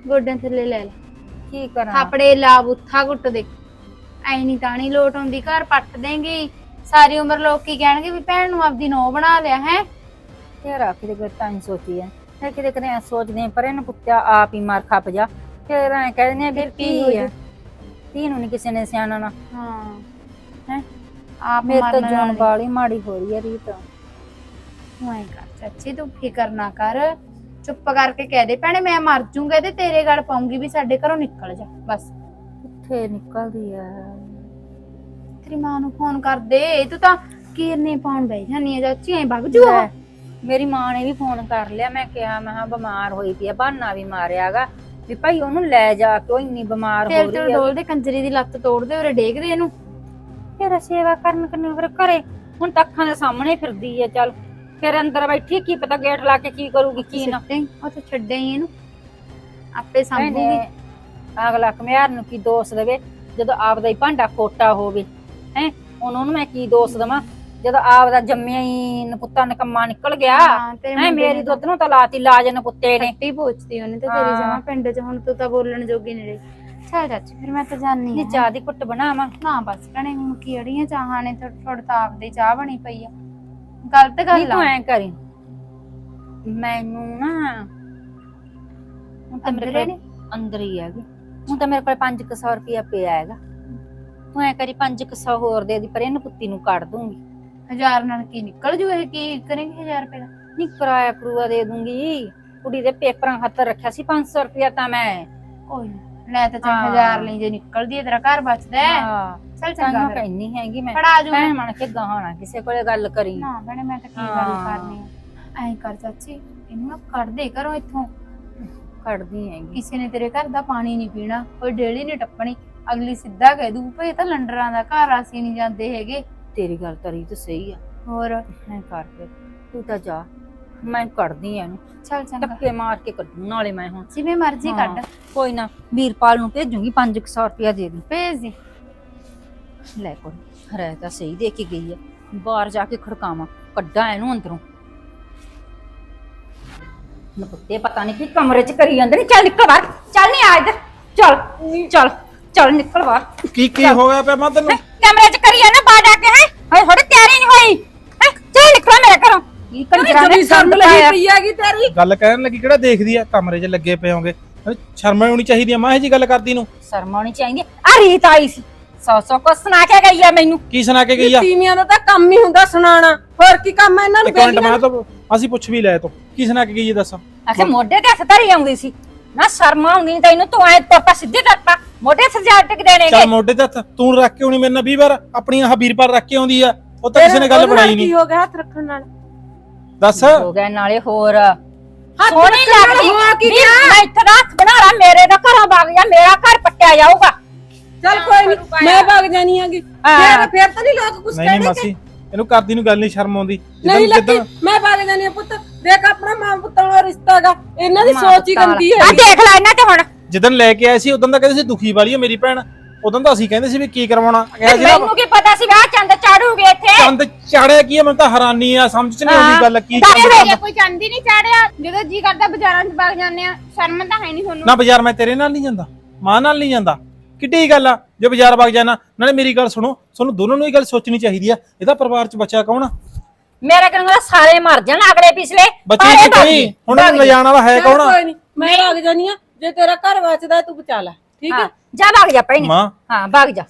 ਗੋਡਿਆਂ ਥੱਲੇ ਲੈ ਲੈ ਕੀ ਕਰਾਂ ਆਪਣੇ ਲਾ ਬੁੱਥਾ ਘੁੱਟ ਦੇ ਐ ਨਹੀਂ ਤਾਣੀ ਲੋਟ ਆਉਂਦੀ ਘਰ ਪੱਟ ਦੇਂਗੀ ਸਾਰੀ ਉਮਰ ਲੋਕ ਕੀ ਕਹਿਣਗੇ ਵੀ ਭੈਣ ਨੂੰ ਆਪਦੀ ਨੋ ਬਣਾ ਲਿਆ ਹੈ ਤੇਰਾ ਕਿਤੇ ਕੋਈ ਤਾਂ ਸੋਚੀ ਐ ਫਿਰ ਕਿਤੇ ਕਦੇ ਸੋਚਦੇ ਪਰ ਇਹਨੂੰ ਪੁੱਤਿਆ ਆਪ ਹੀ ਮਾਰ ਖੱਪ ਜਾ ਫਿਰ ਐ ਕਹਿੰਦੇ ਵੀ ਕੀ ਆ ਧੀ ਨੂੰ ਨਹੀਂ ਕਿਸੇ ਨੇ ਸਿਆਣਾ ਨਾ ਹਾਂ ਹੈ ਆਪ ਮੇਰੇ ਤਾਂ ਮਰਨ ਜਾਨ ਵਾਲੀ। ਵਾਲੀ ਮਾੜੀ ਹੋ ਰਹੀ ਐ ਰੀਤ ਤੂੰ ਐਂ ਕਰ ਚਾਚੀ ਤੂੰ ਫਿਕਰ ਨਾ ਕਰ ਚੁੱਪ ਕਰਕੇ ਕਹਿ ਦੇ ਭੈਣੇ ਮੈਂ ਮਰ ਜੂੰਗਾ ਤੇ ਤੇਰੇ ਗਲ ਪਾਉਂਗੀ ਵੀ ਸਾਡੇ ਘਰੋਂ ਨਿਕਲ ਜਾ ਬਸ ਕਿੱਥੇ ਨਿਕਲਦੀ ਐ ਤੇਰੀ ਮਾਂ ਨੂੰ ਫੋਨ ਕਰ ਦੇ ਤੂੰ ਤਾਂ ਕੀਰਨੇ ਪਾਉਣ ਬਹਿ ਜਾਨੀ ਆ ਚਾਚੀ ਐਂ ਵਗ ਜੂ ਉਹ ਮੇਰੀ ਮਾਂ ਨੇ ਵੀ ਫੋਨ ਕਰ ਲਿਆ ਮੈਂ ਕਿਹਾ ਮੈਂ ਹਾਂ ਬਿਮਾਰ ਹੋਈ ਪਈ ਆ ਬਹਾਨਾ ਵੀ ਮਾਰਿਆਗਾ ਵੀ ਭਾਈ ਉਹਨੂੰ ਲੈ ਜਾ ਕੇ ਉਹ ਇੰਨੀ ਬਿਮਾਰ ਹੋ ਤੇਰੇ ਰਹੀ ਤੇ ਆ ਡੋਲ ਦੇ ਕੰਜਰੀ ਦੀ ਲੱਤ ਤੋੜ ਦੇ ਉਰੇ ਡੇਗ ਦੇ ਇਹਨੂੰ ਫਿਰ ਸੇਵਾ ਕਰਨ ਕਰਨੀ ਫਿਰ ਘਰੇ ਹੁਣ ਤਾਂ ਅੱਖਾਂ ਦੇ ਸਾਹਮਣੇ ਫਿਰਦੀ ਆ ਚੱਲ ਫਿਰ ਅੰਦਰ ਬੈਠੀ ਕੀ ਪਤਾ ਗੇਟ ਲਾ ਕੇ ਕੀ ਕਰੂਗੀ ਕੀ ਨਾ ਸਿੱਟੇ ਉਹ ਤੇ ਛੱਡੇ ਹੀ ਇਹਨੂੰ ਆਪੇ ਸੰਭੂਗੀ ਇਹਨੇ ਅਗਲਾ ਕਮਿਆਰ ਨੂੰ ਕੀ ਦੋਸ਼ ਦੇਵੇ ਜਦੋਂ ਆਪਦਾ ਹੀ ਭਾਂਡਾ ਖੋਟਾ ਹੋਵੇ ਹੈ ਉਹਨੂੰ ਮੈਂ ਕੀ ਦੋਸ਼ ਦੇਵਾਂ ਜਦੋਂ ਆਪਦਾ ਜੰਮਿਆ ਹੀ ਨਪੁੱਤਾ ਨਕੰਮਾ ਨਿਕਲ ਗਿਆ ਹਾਂ ਤੇਰੇ ਹੈ ਮੁੰਡੇ ਮੇਰੀ ਨੇ ਦੁੱਧ ਨੂੰ ਤਾਂ ਲਾਤੀ ਲਾਜ ਨਪੁੱਤੇ ਨੇ ਖੱਟੀ ਪੋਚਦੀ ਉਹਨੇ ਤੇ ਤੇਰੀ ਹਾਂ। ਜਮਾ ਪਿੰਡ 'ਚ ਹੁਣ ਤੂੰ ਤਾਂ ਬੋਲਣ ਜੋਗੀ ਨਹੀਂ ਰਹੀ ਚੱਲ ਚਾਚੀ ਫਿਰ ਮੈਂ ਤਾਂ ਜਾਣੀ ਨੀ ਆ ਚਾਹ ਦੀ ਘੁੱਟ ਬਣਾਵਾਂ ਨਾ ਬਸ ਭੈਣੇ ਹੁਣ ਕੀ ਅੜੀਆਂ ਚਾਹਾਂ ਨੇ ਥੋੜਾ ਤਾਂ ਆਪਦੀ ਚਾਹ ਬਣੀ ਪਈ ਆ ਗਲਤ ਨਹੀਂ ਗੱਲ ਤੂੰ ਆ ਐ ਕਰੀ ਮੈਨੂੰ ਨਾ ਹੁਣ ਤਾਂ ਮੇਰੇ ਅੰਦਰੇ ਕੋਲ ਨੇ ਅੰਦਰ ਹੀ ਹੈਗੀ ਹੁਣ ਤਾਂ ਮੇਰੇ ਕੋਲ ਪੰਜ ਸੌ ਰੁਪਇਆ ਪਿਆ ਹੈਗਾ ਤੂੰ ਐ ਕਰੀ ਪੰਜ ਸੌ ਹੋਰ ਦੇ ਦੀ ਪਰ ਇਹਨੂੰ ਪੁੱਤੀ ਨੂੰ ਕੱਢ ਦੂੰਗੀ ਹਜ਼ਾਰ ਨਾਲ ਕੀ ਨਿਕਲ ਜੂ ਇਹ ਕੀ ਕਰੇਂਗੇ ਹਜ਼ਾਰ ਰੁਪਏ ਦਾ ਨਹੀਂ ਕਿਰਾਇਆ ਕਰੂਆ ਦੇ ਦੂੰਗੀ ਕੁੜੀ ਦੇ ਪੇਪਰਾਂ ਖਾਤਰ ਰੱਖਿਆ ਸੀ ਪੰਜ ਸੌ ਰੁਪਇਆ ਤਾਂ ਮੈਂ ਕੋਈ ਨਾ ਲੈ ਤਾਂ ਚੱਲ ਹਾਂ। ਹਜ਼ਾਰ ਲਈ ਜੇ ਨਿਕਲਦੀ ਹੈ ਤੇਰਾ ਘਰ ਬਚਦਾ ਹੈ ਹਾਂ ਚੱਲ ਚੰਗਾ ਚੰਗਾ ਫਿਰ। ਕਹਿੰਦੀ ਹੈਗੀ ਮੈਂ ਫੜਾ ਜੂ ਭੈਣ ਬਣ ਕੇ ਗਾਣਾ ਕਿਸੇ ਕੋਲੇ ਗੱਲ ਕਰੀ ਨਾ ਭੈਣੇ ਮੈਂ ਤਾਂ ਕੀ ਗੱਲ ਹਾਂ। ਕਰਨੀ ਆ ਐਂ ਕਰ ਚਾਚੀ ਇਹਨੂੰ ਨਾ ਕੱਢ ਦੇ ਘਰੋਂ ਇੱਥੋਂ ਕੱਢਦੀ ਹੈਗੀ ਕਿਸੇ ਨੇ ਤੇਰੇ ਘਰ ਦਾ ਪਾਣੀ ਨਹੀਂ ਪੀਣਾ ਕੋਈ ਡੇਲੀ ਨਹੀਂ ਟੱਪਣੀ ਅਗਲੀ ਸਿੱਧਾ ਕਹਿ ਦੂ ਭਈ ਇਹ ਤਾਂ ਲੰਡਰਾਂ ਦਾ ਘਰ ਅਸੀਂ ਨਹੀਂ ਜਾਂਦੇ ਹੈਗੇ ਤੇਰੀ ਗੱਲ ਤਾਂ ਰੀਤ ਸਹੀ ਆ ਹੋਰ ਐ ਕਰ ਫਿਰ ਤੂੰ ਤਾਂ ਜਾ ਮੈਂ ਕੱਢਦੀ ਆ ਇਹਨੂੰ ਚੱਲ ਚੰਗਾ ਧੱਕੇ ਮਾਰ ਕੇ ਕੱਢੂ ਨਾਲੇ ਮੈਂ ਹੁਣ ਜਿਵੇਂ ਮਰਜ਼ੀ ਕੱਢ ਹਾਂ, ਕੋਈ ਨਾ ਵੀਰਪਾਲ ਨੂੰ ਭੇਜੂਗੀ ਪੰਜ ਸੌ ਰੁਪਇਆ ਦੇ ਦੀ ਭੇਜ ਦੇ ਲੈ ਕੋਈ ਰਹਿ ਤਾਂ ਸਹੀ ਦੇ ਕੇ ਗਈ ਆ ਬਾਹਰ ਜਾ ਕੇ ਖੜਕਾਵਾਂ ਕੱਢਾਂ ਇਹਨੂੰ ਅੰਦਰੋਂ ਨਪੁੱਤੇ ਪਤਾ ਨਹੀਂ ਕੀ ਕਮਰੇ 'ਚ ਕਰੀ ਜਾਂਦੇ ਨੇ ਚੱਲ ਨਿਕਲ ਬਾਹਰ ਚੱਲ ਨਹੀਂ ਆ ਇੱਧਰ ਚੱਲ ਚੱਲ ਚੱਲ ਨਿਕਲ ਬਾਹਰ ਕੀ ਕੀ ਹੋ ਗਿਆ ਪਿਆ ਮੈਂ ਤੈਨੂੰ ਹੈਂ, ਕਮਰੇ 'ਚ ਕਰੀ ਜਾਂਦਾ ਬਾਹਰ ਜਾ ਕੇ ਹੈ ਹਾਏ ਥੋੜੀ ਤਿਆਰੀ ਨਹੀਂ ਹੋਈ ਹੈਂ, ਚੱਲ ਨਿਕਲ ਮੇਰੇ ਘਰੋਂ ਕੀ ਕੰਜਰਾਂ ਨੇ ਸੰਗ ਲਾਇਆ ਹੈਗੀ ਤੇਰੀ ਗੱਲ ਕਹਿਣ ਲੱਗੀ ਕਿਹੜਾ ਦੇਖਦੀ ਆ ਕਮਰੇ 'ਚ ਲੱਗੇ ਪਏ ਹੋਗੇ ਸ਼ਰਮ ਆਉਣੀ ਚਾਹੀਦੀ ਆ ਮਾਂ ਇਹ ਜੀ ਗੱਲ ਕਰਦੀ ਨੂੰ ਸ਼ਰਮ ਆਉਣੀ ਚਾਹੀਦੀ ਆ ਰੀਤ ਆਈ ਸੀ ਸੌ ਸੌ ਕੁਛ ਸੁਣਾ ਕੇ ਗਈ ਆ ਮੈਨੂੰ ਕੀ ਸੁਣਾ ਕੇ ਗਈ ਆ ਤੀਵੀਆਂ ਦਾ ਤਾਂ ਕੰਮ ਹੀ ਹੁੰਦਾ ਸੁਣਾਉਣਾ ਹੋਰ ਕੀ ਕੰਮ ਹੈ ਇਹਨਾਂ ਨੂੰ ਇੱਕ ਮਿੰਟ ਮੈਂ ਤਾਂ ਅਸੀਂ ਪੁੱਛ ਵੀ ਲੈ ਤੋ ਕੀ ਸੁਣਾ ਕੇ ਗਈ ਇਹ ਦੱਸ ਆਖੇ ਮੋਢੇ ਤੇ ਹੱਥ ਧਰੀ ਆਉਂਦੀ ਸੀ ਨਾ ਸ਼ਰਮ ਆਉਂਦੀ ਨੀ ਤੈਨੂੰ ਤੂੰ ਐ ਤੋਪਾ ਸਿੱਧੇ ਕਰਤਾ ਮੋਢੇ ਤੇ ਜਾ ਟਿਕ ਦੇਣਗੇ ਚੱਲ ਮੋਢੇ ਤੇ ਹੱਥ ਤੂੰ ਰੱਖ ਕੇ ਆਉਣੀ ਮੇਰੇ ਨਾਲ ਵੀਹ ਵਾਰ ਆਪਣੀ ਆਹ ਵੀਰਪਾਲ ਰੱਖ ਕੇ ਆਉਂਦੀ ਆ ਉਹ ਤਾਂ ਕਿਸੇ ਨੇ ਗੱਲ ਬਣਾਈ ਨਹੀਂ ਕੀ ਹੋ ਗਿਆ ਹੱਥ ਰੱਖਣ ਨਾਲ ਦੱਸ ਹੋ ਗਿਆ ਨਾਲੇ ਹੋਰ ਹੱਥ ਸੋਹਣੀ ਰੱਖਣ ਨਾਲ ਲੱਗਦੀ ਹੋਇਆ ਕੀ ਵੀ ਗਿਆ? ਮੈਂ ਇੱਥੇ ਦਾ ਹੱਥ ਬਣਾ ਲਾ ਮੇਰੇ ਦਾ ਘਰੋਂ ਵਗ ਜਾ ਮੇਰਾ ਘਰ ਪੱਟਿਆ ਜਾਊਗਾ ਚੱਲ ਕੋਈ ਨਹੀਂ ਮੈਂ ਭੱਗ ਜਾਣੀ ਆਗੀ ਹਾਂ। ਫੇਰ ਫੇਰ ਤਾਂ ਨਹੀਂ ਲੋਕ ਕੁਛ ਨਹੀਂ ਨਹੀਂ ਕਹਿਣਗੇ ਮਾਸੀ ਇਹਨੂੰ ਕਰਦੀ ਨੂੰ ਗੱਲ ਨਹੀਂ ਸ਼ਰਮ ਆਉਂਦੀ ਨਹੀਂ ਲੱਗੀ ਜਿੱਦਾਂ ਮੈਂ ਭੱਗ ਜਾਣੀ ਆ ਪੁੱਤ ਦੇਖ ਆਪਣਾ ਮਾਂ ਪੁੱਤਾਂ ਦਾ ਰਿਸ਼ਤਾ ਹੈਗਾ ਇਹਨਾਂ ਦੀ ਮਾਂ ਸੋਚ ਹੀ ਪੁੱਤਾਂ ਗੰਦੀ ਆ ਹੈ ਦੇਖ ਲੈ ਇਹਨਾਂ ਤੇ ਹੁਣ ਜਿੱਦਣ ਲੈ ਕੇ ਆਏ ਸੀ ਉਦੋਂ ਤਾਂ ਕਹਿੰਦੇ ਸੀ ਦੁਖੀ ਵਾਲੀ ਆ ਮੇਰੀ ਭੈਣ ਉਦੋਂ ਤਾਂ ਅਸੀਂ ਕਹਿੰਦੇ ਸੀ ਵੀ ਕੀ ਕਰਵਾਉਣਾ ਕਿਹਾ ਸੀ ਨਾ ਮੈਨੂੰ ਕੀ ਪਤਾ ਸੀ ਵਿਆਹ ਚੰਦ ਚਾੜੂਗੇ ਇੱਥੇ ਚੰਦ ਚਾੜਿਆ ਕੀ ਆ ਮੈਨੂੰ ਤਾਂ ਹੈਰਾਨੀ ਆ ਸਮਝ ਚ ਨਹੀਂ ਆਉਂਦੀ ਗੱਲ ਕੀ ਦੱਸ ਚੰਦ ਦੇ। ਕੋਈ ਚਾਂਦੀ ਨਹੀਂ ਚਾੜਿਆ ਜਦੋਂ ਜੀ ਕਰਦਾ ਬਾਜ਼ਾਰਾਂ 'ਚ ਵਗ ਜਾਂਦੇ ਆ ਸ਼ਰਮ ਤਾਂ ਹੈ ਨਹੀਂ ਤੁਹਾਨੂੰ ਨਾ ਬਾਜ਼ਾਰ ਮੈਂ ਤੇਰੇ ਨਾਲ ਨਹੀਂ ਜਾਂਦਾ ਮਾਂ ਨਾਲ ਨਹੀਂ ਜਾਂਦਾ ਕਿੱਡੀ ਗੱਲ ਆ ਜੇ ਬਾਜ਼ਾਰ ਵਗ ਜਾਣਾ ਨਾਲੇ ਮੇਰੀ ਗੱਲ ਸੁਣੋ ਤੁਹਾਨੂੰ ਦੋਨੋਂ ਨੂੰ ਇਹ ਗੱਲ ਸੋਚਣੀ ਚਾਹੀਦੀ ਆ ਇਹਦਾ ਪਰਿਵਾਰ ਚ ਬੱਚਾ ਕੌਣ ਆ ਮੇਰਾ ਕਹਿੰਦਾ ਸਾਰੇ ਮਰ ਜਾਣ ਅਗਲੇ ਪਿਛਲੇ ਬੱਚੇ ਸਾਰੇ ਕੀ ਭੱਜ ਕੋਈ ਗਏ। ਹੁਣ ਇਹਨੂੰ ਲਿਜਾਣ ਵਾਲਾ ਹੈ ਚੱਲ ਕੌਣ ਆ ਕੋਈ ਨਹੀਂ ਮੈਂ ਭੱਗ ਜਾਣੀ ਆ ਜੇ ਤੇਰਾ ਘਰ ਬਚਦਾ ਤੂੰ ਬਚਾ ਲੈ ਠੀਕ ਹੈ ਹਾਂ, ਜਾ ਭੱਗ ਜਾ ਭੈਣੇ ਮਾਂ ਹਾਂ ਭੱਗ ਜਾ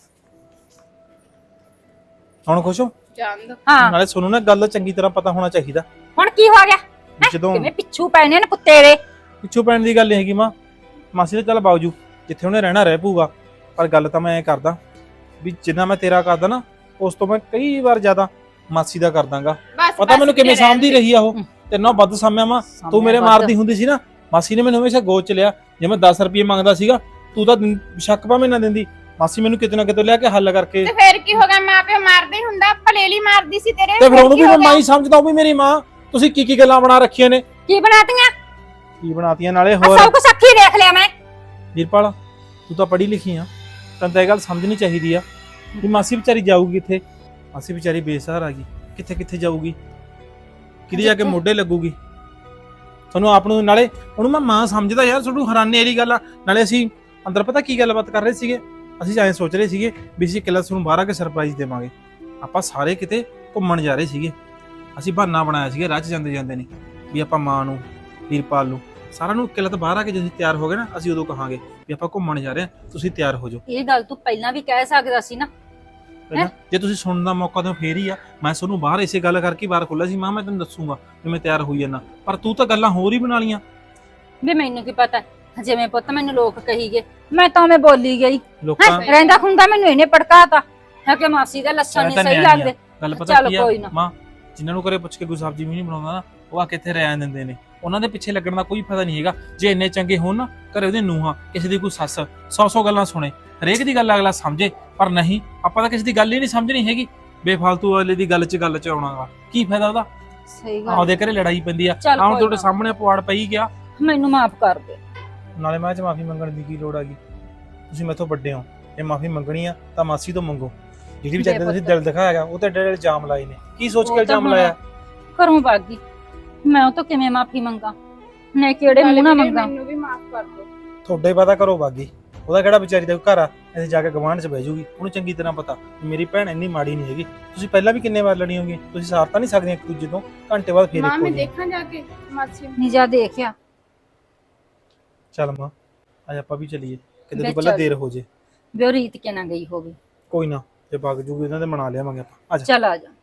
ਹੁਣ ਖੁਸ਼ ਹੋ ਚੰਦ ਹਾਂ ਨਾਲੇ ਤੁਹਾਨੂੰ ਨਾ ਗੱਲ ਦਾ ਚੰਗੀ ਤਰ੍ਹਾਂ ਪਤਾ ਹੋਣਾ ਚਾਹੀਦਾ ਹੁਣ ਕੀ ਹੋ ਗਿਆ ਵੀ ਜਦੋਂ ਕਿਵੇਂ ਪਿੱਛੂ ਪੈਣੇ ਨੇ ਕੁੱਤੇ ਦੇ ਪਿੱਛੋਂ ਪੈਣ ਦੀ ਗੱਲ ਨਹੀਂ ਹੈਗੀ ਮਾਂ ਮਾਸੀ ਤੇ ਚੱਲ ਬਾਉਜੂ ਜਿੱਥੇ ਉਹਨੇ ਰਹਿਣਾ ਰਹਿ ਪਊਗਾ ਪਰ ਗੱਲ ਤਾਂ ਮੈਂ ਐ ਕਰਦਾ ਵੀ ਜਿੰਨਾ ਮੈਂ ਤੇਰਾ ਕਰਦਾ ਨਾ ਉਸ ਤੋਂ ਮੈਂ ਕਈ ਵਾਰ ਜ਼ਿਆਦਾ ਮਾਸੀ ਦਾ ਕਰਦਾਗਾ ਬਸ ਪਤਾ ਮੈਨੂੰ ਕਿਵੇਂ ਸਾਂਭਦੀ ਰਹੀ ਆ ਉਹ ਤੇ ਨਾ ਵੱਧ ਸਾਂਭਿਆ ਮਾਂ ਤੂੰ ਮੇਰੇ ਮਾਰਦੀ ਹੁੰਦੀ ਸੀ ਨਾ ਮਾਸੀ ਨੇ ਮੈਨੂੰ ਹਮੇਸ਼ਾ ਗੋਚ ਚ ਲਿਆ ਜੇ ਮੈਂ ਦਸ ਰੁਪਏ ਮੰਗਦਾ ਸੀਗਾ ਤੂੰ ਤਾਂ ਦਿੰ- ਸ਼ੱਕ ਭਾਵੇਂ ਨਾ ਦਿੰਦੀ ਮਾਸੀ ਮੈਨੂੰ ਕਿਤੇ ਨਾ ਕਿਤੇ ਲਿਆ ਕੇ ਹੱਲ ਕਰਕੇ ਤੇ ਫੇਰ ਕੀ ਹੋ ਗਿਆ ਮਾਂ ਪਿਓ ਮਾਰਦੇ ਹੀ ਹੁੰਦਾ ਭਲੇਲੀ ਮਾਰਦੀ ਸੀ ਤੇਰੇ ਤੇ ਫਿਰ ਉਹਨੂੰ ਕੀ ਵੀ ਹੋ ਮੈਂ ਗਿਆ? ਮਾਂ ਹੀ ਸਮਝਦਾ ਉਹ ਵੀ ਮੇਰੀ ਮਾਂ ਤੁਸੀਂ ਕੀ ਕੀ ਗੱਲਾਂ ਬਣਾ ਰੱਖੀਆਂ ਨੇ ਕੀ ਬਣਾਤੀਆਂ ਕੀ ਬਣਾਤੀਆਂ ਨਾਲੇ ਆ ਹੋਰ ਸਭ ਕੁਝ ਅੱਖੀ ਦੇਖ ਲਿਆ ਮੈਂ ਵੀਰਪਾਲ ਤੂੰ ਤਾਂ ਪੜ੍ਹੀ ਲਿਖੀ ਆ ਤੈਨੂੰ ਤਾਂ ਇਹ ਗੱਲ ਸਮਝਣੀ ਚਾਹੀਦੀ ਆ ਵੀ ਮਾਸੀ ਵਿਚਾਰੀ ਜਾਊਗੀ ਕਿੱਥੇ ਮਾਸੀ ਵਿਚਾਰੀ ਬੇਸਹਾਰਾ ਗਈ ਕਿੱਥੇ ਕਿੱਥੇ ਜਾਊਗੀ ਕਿਹਦੇ ਜਾ ਕੇ ਮੋਢੇ ਲੱਗੂਗੀ ਤੁਹਾਨੂੰ ਆਪ ਨੂੰ ਨਾਲੇ ਉਹਨੂੰ ਮੈਂ ਮਾਂ ਸਮਝਦਾ ਯਾਰ, ਤੁਹਾਨੂੰ ਹੈਰਾਨੀ ਵਾਲੀ ਗੱਲ ਆ। ਨਾਲੇ ਅਸੀਂ ਅੰਦਰ ਪਤਾ ਕੀ ਗੱਲਬਾਤ ਕਰ ਰਹੇ ਸੀਗੇ, ਅਸੀਂ ਐਂ ਸੋਚ ਰਹੇ ਸੀਗੇ ਵੀ ਅਸੀਂ ਕਿਲਾ ਤੁਹਾਨੂੰ ਬਾਹਰ ਆ ਕੇ ਸਰਪ੍ਰਾਈਜ਼ ਦੇਵਾਂਗੇ। ਆਪਾਂ ਸਾਰੇ ਕਿਤੇ ਘੁੰਮਣ ਜਾ ਰਹੇ ਸੀਗੇ, ਅਸੀਂ ਬਹਾਨਾ ਬਣਾਇਆ ਸੀਗਾ ਰਾਹ 'ਚ ਜਾਂਦੇ ਜਾਂਦੇ ਨੇ ਵੀ ਆਪਾਂ ਮਾਂ ਨੂੰ, ਵੀਰਪਾਲ ਨੂੰ, ਸਾਰਿਆਂ ਨੂੰ ਕਿਲਾ ਤੋਂ ਬਾਹਰ ਆ ਕੇ ਜਦੋਂ ਤਿਆਰ ਹੋ ਗਏ ਨਾ, ਅਸੀਂ ਉਦੋਂ ਕਹਾਂਗੇ ਵੀ ਆਪਾਂ ਘੁੰਮਣ ਜਾ ਰਹੇ ਹਾਂ, ਤੁਸੀਂ ਤਿਆਰ ਹੋ ਜਾਓ। ਇਹ ਗੱਲ ਤੂੰ ਪਹਿਲਾਂ ਵੀ ਕਹਿ ਸਕਦਾ ਸੀ ਨਾ। ਪਹਿਲਾਂ ਜੇ ਤੁਸੀਂ ਸੁਣਨ ਦਾ ਮੌਕਾ ਦਿਓ ਫੇਰ ਹੀ ਆ। ਮੈਂ ਤੁਹਾਨੂੰ ਬਾਹਰ ਇਸੇ ਗੱਲ ਕਰਕੇ ਬਾਹਰ ਖੋਲਿਆ ਸੀ, ਮਾਂ ਮੈਂ ਤੈਨੂੰ ਦੱਸੂਗਾ ਵੀ ਮੈਂ ਤਿਆਰ ਹੋਈ ਜਾਂਦਾ, ਪਰ ਤੂੰ ਤਾਂ ਗੱਲਾਂ ਹੋਰ ਹੀ ਬਣਾ ਲੀਆਂ। ਵੀ ਮੈਨੂੰ ਕੀ ਪਤਾ, ਜਿਵੇਂ ਪੁੱਤ ਮੈਨੂੰ ਲੋਕ ਕਹੀ ਗਏ ਮੈਂ ਤਾਂ ਮੈਂ ਬੋਲੀ ਗਈ। ਲੋਕਾਂ ਰਹਿੰਦਾ ਖੁੰਦਾ ਮੈਨੂੰ ਇਹਨੇ ਪੜਕਾਤਾ ਹੈ ਕਿ ਮਾਸੀ ਦਾ ਲੱਛਣ ਨਹੀਂ ਸਹੀ ਲੱਗਦੇ। ਗੱਲ ਪਤਾ ਚੱਲ ਕੀ ਆ ਕੋਈ ਨਾ। ਮਾਂ, ਜਿਨ੍ਹਾਂ ਨੂੰ ਘਰੇ ਪੁੱਛ ਕੇ ਕੋਈ ਸਬਜ਼ੀ ਵੀ ਨਹੀਂ ਬਣਾਉਂਦਾ ਨਾ, ਉਹ ਆ ਕਿੱਥੇ ਰਹਿਣ ਦਿੰਦੇ ਨੇ। ਉਹਨਾਂ ਦੇ ਪਿੱਛੇ ਲੱਗਣ ਦਾ ਕੋਈ ਫਾਇਦਾ ਨਹੀਂ ਹੈਗਾ। ਜੇ ਇੰਨੇ ਚੰਗੇ ਹੋਣ ਨਾ ਘਰੇ ਉਹਦੇ ਨੂੰਹਾਂ, ਕਿਸੇ ਦੀ ਕੋਈ ਸੱਸ ਸੌ ਸੌ ਗੱਲਾਂ ਸੁਣੇ, ਹਰੇਕ ਦੀ ਗੱਲ ਅਗਲਾ ਸਮਝੇ, ਪਰ ਨਹੀਂ, ਆਪਾਂ ਤਾਂ ਕਿਸੇ ਦੀ ਗੱਲ ਹੀ ਨਹੀਂ ਸਮਝਣੀ ਹੈਗੀ। ਬੇਫਾਲਤੂ ਅਗਲੇ ਦੀ ਗੱਲ 'ਚ ਗੱਲ 'ਚ ਆਉਣਾਗਾ, ਕੀ ਫਾਇਦਾ ਉਹਦਾ। ਸਹੀ ਗੱਲ ਆਪਦੇ ਘਰੇ ਲੜਾਈ ਪੈਂਦੀ ਆ, ਚੱਲ ਆਹ ਕੋਈ ਤੁਹਾਡੇ ਨਾ। ਸਾਹਮਣੇ ਪਵਾੜ ਪਈ ਗਿਆ। ਮੈਨੂੰ ਮਾਫ ਕਰ ਦੇ। ਨਾਲੇ ਮੈਂ ਚ ਮਾਫੀ ਮੰਗਣ ਦੀ ਕੀ ਲੋੜ ਹੈਗੀ, ਤੁਸੀਂ ਮੈਥੋਂ ਵੱਡੇ ਹੋ, ਜੇ ਮਾਫੀ ਮੰਗਣੀ ਆ ਤਾਂ ਮਾਸੀ ਤੋਂ ਮੰਗੋ। ਜਿਹੜੀ ਵੀ ਚੱਜ ਤੁਸੀਂ ਦਿਲ ਦਿਖਾਇਆਗਾ ਉਹ ਤੇ ਏਡੇ ਇਲਜ਼ਾਮ ਲਾਏ ਨੇ, ਕੀ ਸੋਚ ਕੇ ਇਲਜ਼ਾਮ ਲਾਇਆ? ਘਰੋਂ ਬਾਗੀ ਮੈਂ ਉਹ ਤੋਂ ਕਿਵੇਂ ਮਾਫੀ ਮੰਗਾ, ਮੈਂ ਕਿਹੜੇ ਮੂੰਹ ਨਾਲ ਮੰਗਾ? ਮੈਨੂੰ ਵੀ ਮਾਫ ਕਰ ਦਿਓ। ਤੁਹਾਡੇ ਪਤਾ ਕਰੋ ਬਾਗੀ, ਉਹਦਾ ਕਿਹੜਾ ਵਿਚਾਰੀ ਦਾ ਘਰ ਆ ਇੱਥੇ ਜਾ ਕੇ ਗਵਾਂਢ 'ਚ ਬਹਿ ਜੂਗੀ। ਉਹਨੂੰ ਚੰਗੀ ਤਰ੍ਹਾਂ ਪਤਾ ਵੀ ਮੇਰੀ ਭੈਣ ਇੰਨੀ ਮਾੜੀ ਨਹੀਂ ਹੈਗੀ। ਤੁਸੀਂ ਪਹਿਲਾਂ ਵੀ ਕਿੰਨੇ ਵਾਰ ਲੜੀ ਹੋਗੀ, ਤੁਸੀਂ ਸਾਰ ਤਾਂ ਨਹੀਂ ਸਕਦੀਆਂ ਇੱਕ ਦੂਜੇ ਤੋਂ। ਘੰਟੇ ਬਾਅਦ ਫੇਰ ਮਾਂ ਇੱਕੋ ਮੈਂ ਜਿਹੀ। ਦੇਖਾਂ ਜਾ ਕੇ ਮਾਸੀ ਨੂੰ। ਨਹੀਂ ਜਾ ਦੇਖਿਆ। ਚੱਲ ਮਾਂ ਅੱਜ ਆਪਾਂ ਵੀ ਚੱਲੀਏ, ਕਿਤੇ ਲੈ ਤੋਂ ਪਹਿਲਾਂ ਚੱਲ। ਦੇਰ ਹੋ ਜੇ। ਵੀ ਉਹ ਰੀਤ ਕੇ ਨਾ ਗਈ ਹੋਵੇ। ਕੋਈ ਨਾ, ਜੇ ਵਗ ਜੂਗੀ ਉਹਨਾਂ ਦੇ ਮਨਾ ਲਿਆਵਾਂਗੇ ਆਪਾਂ। ਆ ਜਾ। ਚੱਲ ਆ ਜਾ।